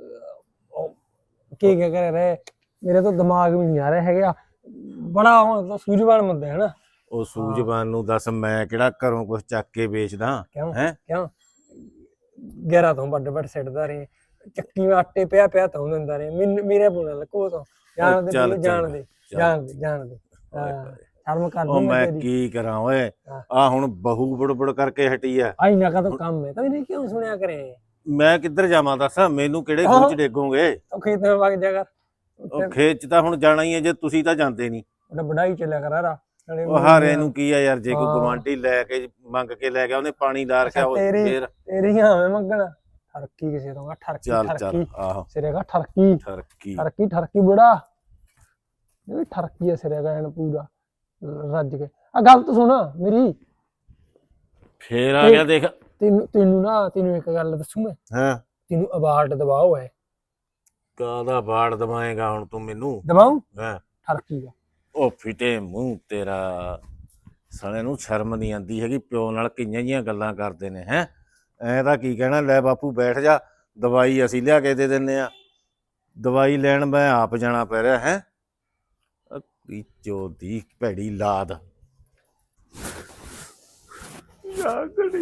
Speaker 4: ਕੀ ਕਿਆ ਕਰੇ ਰੇ, ਮੇਰੇ ਤਾਂ ਦਿਮਾਗ ਵੀ ਨਹੀਂ ਆ ਰਿਹਾ ਹੈਗਾ। ਬੜਾ ਹੁਣ ਤਾਂ ਸੂਝਵਾਨ ਬੰਦਾ ਹੈ ਨਾ।
Speaker 3: ਉਹ ਸੂਝਵਾਨ ਨੂੰ ਦੱਸ, ਮੈਂ ਕਿਹੜਾ ਘਰੋਂ ਕੁਝ ਚੱਕ ਕੇ ਵੇਚਦਾ
Speaker 4: ਕਿਉਂ
Speaker 3: ਹੈ।
Speaker 4: ਕਿਉਂ ਗਹਿਰਾ ਤੋਂ ਵੱਡ ਸਿੱਟਦਾ ਰਹੇ, ਚੱਕੀ ਵਿੱਚ ਆਟੇ ਪਿਆ ਤਾਂ ਦਿੰਦਾ ਰਹੇ, ਮੇਰੇ ਬੋਲ ਲਕੋ ਤੋਂ ਜਾਣ ਦੇ
Speaker 3: ਚੱਲ,
Speaker 4: ਜਾਣ ਦੇ
Speaker 3: ਚੱਲ।
Speaker 4: ਜਾਣ ਦੇ ਸ਼ਰਮ ਕਰ
Speaker 3: ਉਹ
Speaker 4: ਦੂੰ
Speaker 3: ਮੈਂ
Speaker 4: ਤੇਰੀ।
Speaker 3: ਕੀ ਕਰਾਂ ਓਏ,
Speaker 4: ਹਾਂ।
Speaker 3: ਆ ਹੁਣ ਬਹੂ ਬੜਬੜ ਕਰਕੇ ਹਟੀ ਆ।
Speaker 4: ਆਈ ਨਾ ਕਾ ਤਾਂ ਕੰਮ ਹੈ ਤਾਂ ਇਹਨੇ ਕਿਉਂ ਸੁਣਿਆ ਕਰੇ।
Speaker 3: ਮੈਂ ਕਿੱਧਰ ਜਾਵਾਂ ਦੱਸ, ਮੈਨੂੰ ਕਿਹੜੇ
Speaker 4: ਹਾਂ।
Speaker 3: ਖੂਹ ਚ ਡੇਗੋਗੇ।
Speaker 4: ਉਹ ਖੇਤ ਵਿੱਚ ਵਗ ਜਾ ਕਰ,
Speaker 3: ਉਹ ਖੇਤ ਚ ਤਾਂ ਹੁਣ ਜਾਣਾ ਹੀ ਹੈ, ਜੇ ਤੁਸੀਂ ਤਾਂ ਜਾਂਦੇ ਨਹੀਂ।
Speaker 4: ਉਹਦਾ ਬੜਾਈ ਚੱਲਿਆ ਕਰ ਰਾ।
Speaker 3: ਉਹ ਹਾਰੇ ਨੂੰ ਕੀ ਆ ਯਾਰ, ਜੇ ਕੋਈ
Speaker 4: ਹਾਂ।
Speaker 3: ਗਵਾਂਢੀ ਲੈ ਕੇ ਮੰਗ ਕੇ ਲੈ ਗਿਆ, ਉਹਨੇ ਪਾਣੀ ਲਾ ਰੱਖਿਆ ਉਹ
Speaker 4: ਤੇਰੀ-
Speaker 3: ਫੇਰ।
Speaker 4: ਤੇਰੀਆਂ ਐਵੇਂ ਮੰਗਣਾ ਠਰਕੀ ਕਿਸੇ ਤੋਂ ਠਰਕੀ
Speaker 3: ਚੱਲ ਚੱਲ
Speaker 4: ਠਰਕੀ
Speaker 3: ਆਹੋ
Speaker 4: ਸਿਰੇ ਦਾ ਠਰਕੀ
Speaker 3: ਠਰਕੀ।
Speaker 4: ਠਰਕੀ ਬੜਾ ਇਹ ਵੀ ਠਰਕੀ ਹੈ ਸਿਰੇ ਦਾ ਐਨ ਪੂਰਾ ਰੱਜ ਕੇ। ਆ ਗੱਲ ਤਾਂ ਸੁਣ ਮੇਰੀ,
Speaker 3: ਫੇਰ ਆ ਗਿਆ ਦੇਖ।
Speaker 4: ਤੈਨੂੰ ਇੱਕ ਗੱਲ ਦੱਸੂ ਮੈਂ,
Speaker 3: ਹਾਂ
Speaker 4: ਤੈਨੂੰ ਅਵਾਰਡ ਦਬਾਓ ਹੈ।
Speaker 3: ਕਾਹਦਾ ਬਾੜ ਦਵਾਏਗਾ ਹੁਣ ਤੂੰ ਮੈਨੂੰ?
Speaker 4: ਦਬਾਉ
Speaker 3: ਹਾਂ
Speaker 4: ਠਰਕੀ ਦਾ।
Speaker 3: ਉਹ ਫਿੱਟੇ ਮੂੰਹ ਤੇਰਾ, ਸਾਲੇ ਨੂੰ ਸ਼ਰਮ ਨਹੀਂ ਆਂਦੀ ਹੈਗੀ, ਪਿਓ ਨਾਲ ਕਿੰਨੀਆਂ ਜੀਆਂ ਗੱਲਾਂ ਕਰਦੇ ਨੇ ਹੈ। ਐ ਤਾਂ ਕੀ ਕਹਿਣਾ, ਲੈ ਬਾਪੂ ਬੈਠ ਜਾ, ਦਵਾਈ ਅਸੀਂ ਲਿਆ ਕੇ ਦੇ ਦਿੰਨੇ ਆ। ਦਵਾਈ ਲੈਣ ਮੈਂ ਆਪ ਜਾਣਾ ਪੈ ਰਿਹਾ ਹੈ। ਚੋ ਦੀ ਭੈੜੀ ਲਾਦ।
Speaker 1: ਜਾਗੜੀ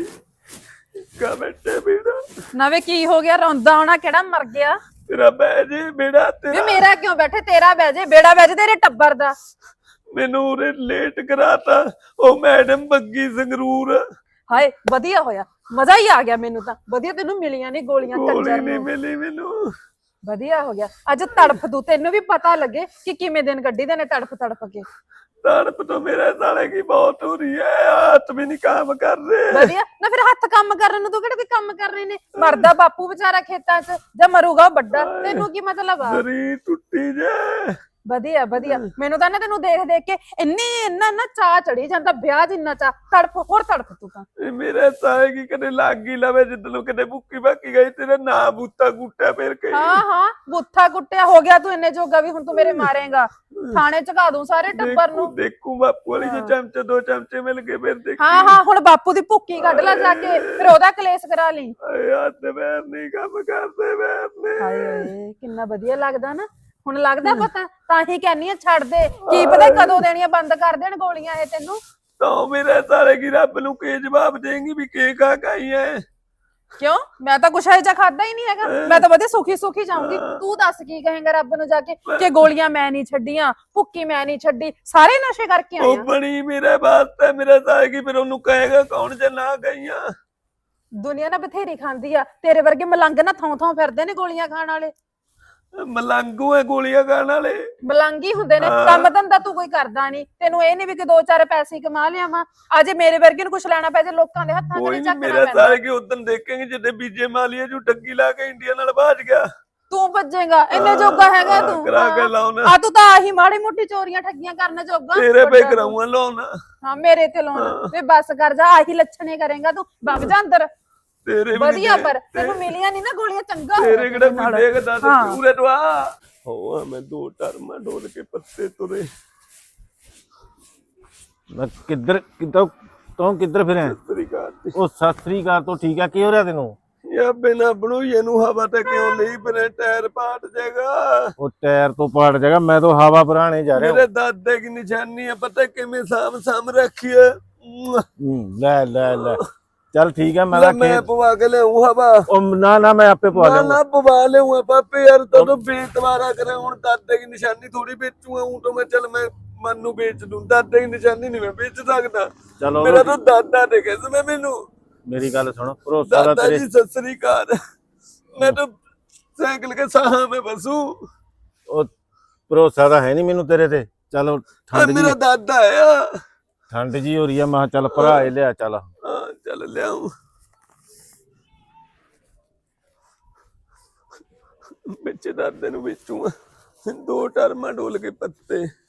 Speaker 1: ਕਾ ਬੈਠੇ ਬੇੜਾ,
Speaker 2: ਨਵੇਂ ਕੀ ਹੋ ਗਿਆ, ਰੋਂਦਾ ਹੋਣਾ, ਕਿਹੜਾ ਮਰ ਗਿਆ?
Speaker 1: ਤੇਰਾ ਬਹਿ ਜੇ ਬੇੜਾ
Speaker 2: ਵੀ
Speaker 1: ਤੇਰਾ।
Speaker 2: ਮੇਰਾ ਕਿਉਂ ਬੈਠੇ, ਤੇਰਾ ਬਹਿ ਜੇ, ਬੇੜਾ ਬਹਿ ਜੇ ਤੇਰੇ ਟੱਬਰ ਦਾ।
Speaker 1: ਮੈਨੂੰ ਉਰੇ ਲੇਟ ਕਰਾਤਾ ਉਹ ਮੈਡਮ ਬੱਗੀ ਸੰਗਰੂਰ।
Speaker 2: ਹਾਏ ਵਧੀਆ ਹੋਇਆ, ਮਜ਼ਾ ਹੀ ਆ ਗਿਆ ਮੈਨੂੰ ਤਾਂ। ਵਧੀਆ ਤੈਨੂੰ ਮਿਲੀਆਂ ਨੇ ਗੋਲੀਆਂ
Speaker 1: ਗੋਲੀ
Speaker 2: ਕੰਜਰ
Speaker 1: ਨਹੀਂ
Speaker 2: ਨੂੰ।
Speaker 1: ਮਿਲੀ ਮੈਨੂੰ।
Speaker 2: ਵਧੀਆ ਹੋ ਗਿਆ, ਅੱਜ ਤੜਫ ਦੂ, ਤੈਨੂੰ ਵੀ ਪਤਾ ਲੱਗੇ ਕਿ ਕਿਵੇਂ ਦਿਨ ਕੱਢੀਦੇ ਨੇ ਤੜਫ ਕੇ।
Speaker 1: ਤੜਪ ਤੋਂ ਮੇਰੇ ਸਾਲੇ ਕੀ ਬਹੁਤ ਹੋ ਰਹੀ ਹੈ, ਹੱਥ ਵੀ ਨਹੀਂ ਕੰਮ ਕਰ ਰਹੇ।
Speaker 2: ਵਧੀਆ ਨਾ, ਫਿਰ ਹੱਥ ਕੰਮ ਕਰਨ ਨੂੰ ਤੂੰ ਕਿਹੜੇ ਕੋਈ ਕੰਮ ਕਰਨੇ ਨੇ? ਮਰਦਾ ਬਾਪੂ ਵਿਚਾਰਾ ਖੇਤਾਂ 'ਚ, ਜਾਂ ਮਰੂਗਾ ਉਹ ਵੱਡਾ, ਤੈਨੂੰ ਕੀ ਮਤਲਬ ਆ?
Speaker 1: ਸਰੀਰ ਟੁੱਟੀ ਜੇ।
Speaker 2: ਵਧੀਆ ਮੈਨੂੰ ਤਾਂ ਨਾ ਤੈਨੂੰ ਦੇਖ ਕੇ ਇੰਨਾ ਚਾਹ ਚੜੀ ਜਾਂਦਾ, ਵਿਆਹ ਜਿੰਨਾ ਚਾਹ। ਹੋਰ ਤੜਫ ਤੂੰ ਤਾਂ।
Speaker 1: ਇਹ ਮੇਰੇ ਸਾਲੇ ਕੀ ਕਦੇ ਲੱਗ ਹੀ ਲਵੇ, ਜਿੱਦਲੋਂ ਕਦੇ ਭੁੱਕੀ ਭਾਕੀ ਗਈ ਤੇਰਾ ਨਾਂ ਬੂਤਾ ਗੁੱਟਿਆ ਫੇਰ ਕਈ।
Speaker 2: ਹਾਂ ਬੁੱਥਾ ਕੁੱਟਿਆ ਹੋ ਗਿਆ ਤੂੰ ਇੰਨੇ ਜੋਗਾ ਵੀ, ਹੁਣ ਤੂੰ ਮੇਰੇ ਮਾਰੇਗਾ। ਥਾਣੇ ਚਕਾ ਦੂੰ ਸਾਰੇ ਟੱਬਰ ਨੂੰ।
Speaker 1: ਦੇਖੂ ਬਾਪੂ ਵਾਲੀ ਜੇ ਚਮਚੇ ਦੋ ਚਮਚੇ ਮਿਲ ਗਏ ਫਿਰ ਦੇਖੀ।
Speaker 2: ਹਾਂ ਹੁਣ ਬਾਪੂ ਦੀ ਭੁੱਕੀ ਕੱਢ ਲੈ ਜਾ ਕੇ, ਫਿਰ ਉਹਦਾ ਕਲੇਸ਼ ਕਰਾ ਲਈ।
Speaker 1: ਆਏ ਹੱਥ ਪੈਰ ਨਹੀਂ ਕੰਮ ਕਰਦੇ ਮੈਨੇ।
Speaker 2: ਹਾਏ ਕਿੰਨਾ ਵਧੀਆ ਲੱਗਦਾ ਨਾ, ਹੁਣ ਲੱਗਦਾ ਪਤਾ। ਤਾਂ ਹੀ ਕਹਿੰਨੀ ਆ ਛੱਡ ਦੇ, ਕੀ ਪਤਾ ਕਦੋਂ ਦੇਣੀਆਂ ਬੰਦ ਕਰ ਦੇਣ ਗੋਲੀਆਂ ਇਹ ਤੈਨੂੰ।
Speaker 1: ਤਾਂ ਮੇਰੇ ਸਾਲੇ ਕੀ ਰੱਬ ਨੂੰ ਕੀ ਜਵਾਬ ਦੇਂਗੀ ਵੀ ਕੀ ਕਾ ਕਾਈ ਹੈ।
Speaker 2: ਕਿਉਂ? ਮੈਂ ਤਾਂ ਕੁਛ ਇਹੋ ਖਾਦਾ ਹੀ ਨਹੀਂ ਹੈਗਾ, ਮੈਂ ਤਾਂ ਵਧੀਆ ਸੁਖੀ ਜਾਊਂਗੀ। ਤੂੰ ਦੱਸ ਕੀ ਕਹੇਂਗਾ ਰੱਬ ਨੂੰ ਜਾ ਕੇ, ਕਿ ਗੋਲੀਆਂ ਮੈਂ ਨਹੀਂ ਛੱਡੀਆਂ, ਭੁੱਕੀ ਮੈਂ ਨਹੀਂ ਛੱਡੀ, ਸਾਰੇ ਨਸ਼ੇ ਕਰਕੇ
Speaker 1: ਉਹ
Speaker 2: ਆਇਆ।
Speaker 1: ਬਣੀ ਮੇਰੇ ਵਾਸਤੇ, ਮੇਰੇ ਸਾਲੇ ਕੀ ਫਿਰ ਉਹਨੂੰ ਕਹੇਗਾ ਕੌਣ ਜੇ ਨਾ ਗਈਆਂ।
Speaker 2: ਦੁਨੀਆ ਨਾ ਬਥੇਰੀ ਖਾਂਦੀ ਆ, ਤੇਰੇ ਵਰਗੇ ਮਲੰਗ ਨਾ ਥਾਂ ਫਿਰਦੇ ਨੇ ਗੋਲੀਆਂ ਖਾਣ ਵਾਲੇ।
Speaker 1: ਮਲੰਗੂ ਹੈ ਗੋਲੀਆਂ ਖਾਣ ਵਾਲੇ।
Speaker 2: ਮਲੰਗੀ ਹੁੰਦੇ ਨੇ, ਕੰਮ ਧੰਦਾ ਤੂੰ ਕੋਈ ਕਰਦਾ ਨਹੀਂ। ਤੈਨੂੰ ਇਹ ਨਹੀਂ ਵੀ ਕਿ ਦੋ ਚਾਰ ਪੈਸੇ ਕਮਾ ਲਿਆਵਾਂ, ਅਜੇ ਮੇਰੇ ਵਰਗੇ ਨੂੰ ਕੁਛ ਲੈਣਾ ਪੈ ਜੇ ਲੋਕਾਂ ਦੇ ਹੱਥਾਂ
Speaker 1: ਕੋਈ
Speaker 2: ਤੇ
Speaker 1: ਨਹੀਂ,
Speaker 2: ਚੱਕਣਾ
Speaker 1: ਮੇਰੇ
Speaker 2: ਪੈਂਦਾ।
Speaker 1: ਸਾਲੇ ਕੀ ਉਦੋਂ ਦੇਖेंगे ਜਿੱਦੇ ਬੀਜੇ ਮਾਲੀਏ ਜੋ ਡੱਗੀ ਲਾ ਕੇ ਇੰਡੀਆ ਨਾਲ ਭਾਜ ਗਿਆ।
Speaker 2: ਤੂੰ ਭੱਜੇਗਾ, ਇੰਨੇ ਜੋਗਾ ਹੈਗਾ ਤੂੰ?
Speaker 1: ਕਰਾ ਕੇ ਲਾਉਣਾ
Speaker 2: ਆ ਤੂੰ ਤਾਂ ਆਹੀ ਮਾੜੀ ਮੋਟੀ ਚੋਰੀਆਂ ਠੱਗੀਆਂ ਕਰਨ ਜੋਗਾ।
Speaker 1: ਤੇਰੇ ਪੇ ਕਰਾਉਂਗਾ ਲਾਉਣਾ।
Speaker 2: ਹਾਂ ਮੇਰੇ ਤੇ ਲਾਉਣਾ ਵੇ, ਬਸ ਕਰ ਜਾ, ਆਹੀ ਲੱਛਣੇ ਕਰੇਗਾ ਤੂੰ। ਵਗ ਜਾ ਅੰਦਰ।
Speaker 1: ਤੇਰੇ ਵੀ
Speaker 2: ਵਧੀਆ, ਪਰ ਤੈਨੂੰ ਮਿਲੀਆਂ ਨਹੀਂ ਨਾ ਗੋਲੀਆਂ, ਚੰਗਾ ਹੋਇਆ
Speaker 1: ਤੇਰੇ ਕਿਹੜਾ
Speaker 2: ਨਾਲ।
Speaker 1: ਕੋਈ ਦੇਖਦਾ ਤੇ
Speaker 2: ਹਾਂ।
Speaker 1: ਪੂਰੇ ਤੋਂ ਆ ਹੋ ਮੈਂ ਦੋ ਟਰਮਾਂ ਡੋਲ ਕੇ ਪੱਤੇ ਤੁਰੇ।
Speaker 3: ਮੈਂ ਕਿੱਧਰ ਤੂੰ ਕਿੱਧਰ ਫਿਰਿਆ?
Speaker 1: ਤਰੀਕਾ
Speaker 3: ਉਹ ਸਤਿ ਸ੍ਰੀ ਅਕਾਲ ਤੋਂ ਠੀਕ ਆ, ਕੀ ਹੋ ਰਿਹਾ ਤੈਨੂੰ?
Speaker 1: ਯਾ ਬਿਨਾ ਬਣੂਏ ਨੂੰ ਹਵਾ ਤੇ ਕਿਉਂ ਲਈ ਬਨੇ ਟਾਇਰ ਪਾਟ ਜਾਏਗਾ।
Speaker 3: ਉਹ ਟਾਇਰ ਤੋਂ ਪਾੜ ਜਾਏਗਾ, ਮੈਂ ਤਾਂ ਹਵਾ ਭਰਾਣੇ ਜਾ ਰਿਹਾ
Speaker 1: ਮੇਰੇ ਦਾਦੇ ਕੀ ਨਿਸ਼ਾਨੀ ਹੈ, ਪਤਾ ਕਿਵੇਂ ਸਾਮ ਰੱਖੀ ਹੈ।
Speaker 3: ਲੈ ਚੱਲ ਠੀਕ ਹੈ ਮੈਂ
Speaker 1: ਲੈ
Speaker 3: ਤਾਂ
Speaker 1: ਮੈਂ
Speaker 3: ਖੇਤ
Speaker 1: ਪਵਾ ਕੇ ਲਿਆਉਂ ਹਵਾ
Speaker 3: ਉਹ ਨਾ ਮੈਂ ਆਪੇ ਪਵਾ
Speaker 1: ਨਾ
Speaker 3: ਲਿਆਉਂਗਾ
Speaker 1: ਨਾ ਪਵਾ ਲਿਆਉਂ ਪਾਪੇ ਯਾਰ ਤਦੋਂ ਬੇਤਵਾਰਾ ਕਰੇ ਹੁਣ ਦਾਦੇ ਦੀ ਨਿਸ਼ਾਨੀ ਥੋੜੀ ਵੇਚੂਗਾ ਹੂੰ ਤਾਂ ਮੈਂ ਚੱਲ ਮੈਂ ਮਨ ਨੂੰ ਵੇਚ ਦੂੰ ਦਾਦੇ ਦੀ ਨਿਸ਼ਾਨੀ ਨਹੀਂ ਮੈਂ ਵੇਚ ਸਕਦਾ
Speaker 3: ਚਲੋ
Speaker 1: ਮੇਰਾ ਤਾਂ ਦਾਦਾ ਨੇ ਕਿਹਾ ਮੈਂ ਮੈਨੂੰ
Speaker 3: ਮੇਰੀ ਗੱਲ ਸੁਣ ਭਰੋਸਾ ਦਾ
Speaker 1: दादा
Speaker 3: ਤੇਰੇ
Speaker 1: जी सत श्री अकाल मैं तो साइकिल के साहा में बसू
Speaker 3: ਉਹ ਭਰੋਸਾ ਤਾਂ ਹੈ ਨਹੀਂ ਮੈਨੂੰ ਤੇਰੇ ਤੇ ਚਲੋ ਠੰਡ ਜੀ
Speaker 1: मेरा दादा है
Speaker 3: ਠੰਡ ਜੀ ਹੋ ਰਹੀ ਆ ਮੈਂ ਕਿਹਾ ਚੱਲ ਭਰਾ ਇਹ ਲਿਆ ਚੱਲ
Speaker 1: हाँ चल लियाऊं बेचे दादे नु बेचूंगा 2 टर्मा डोल के पत्ते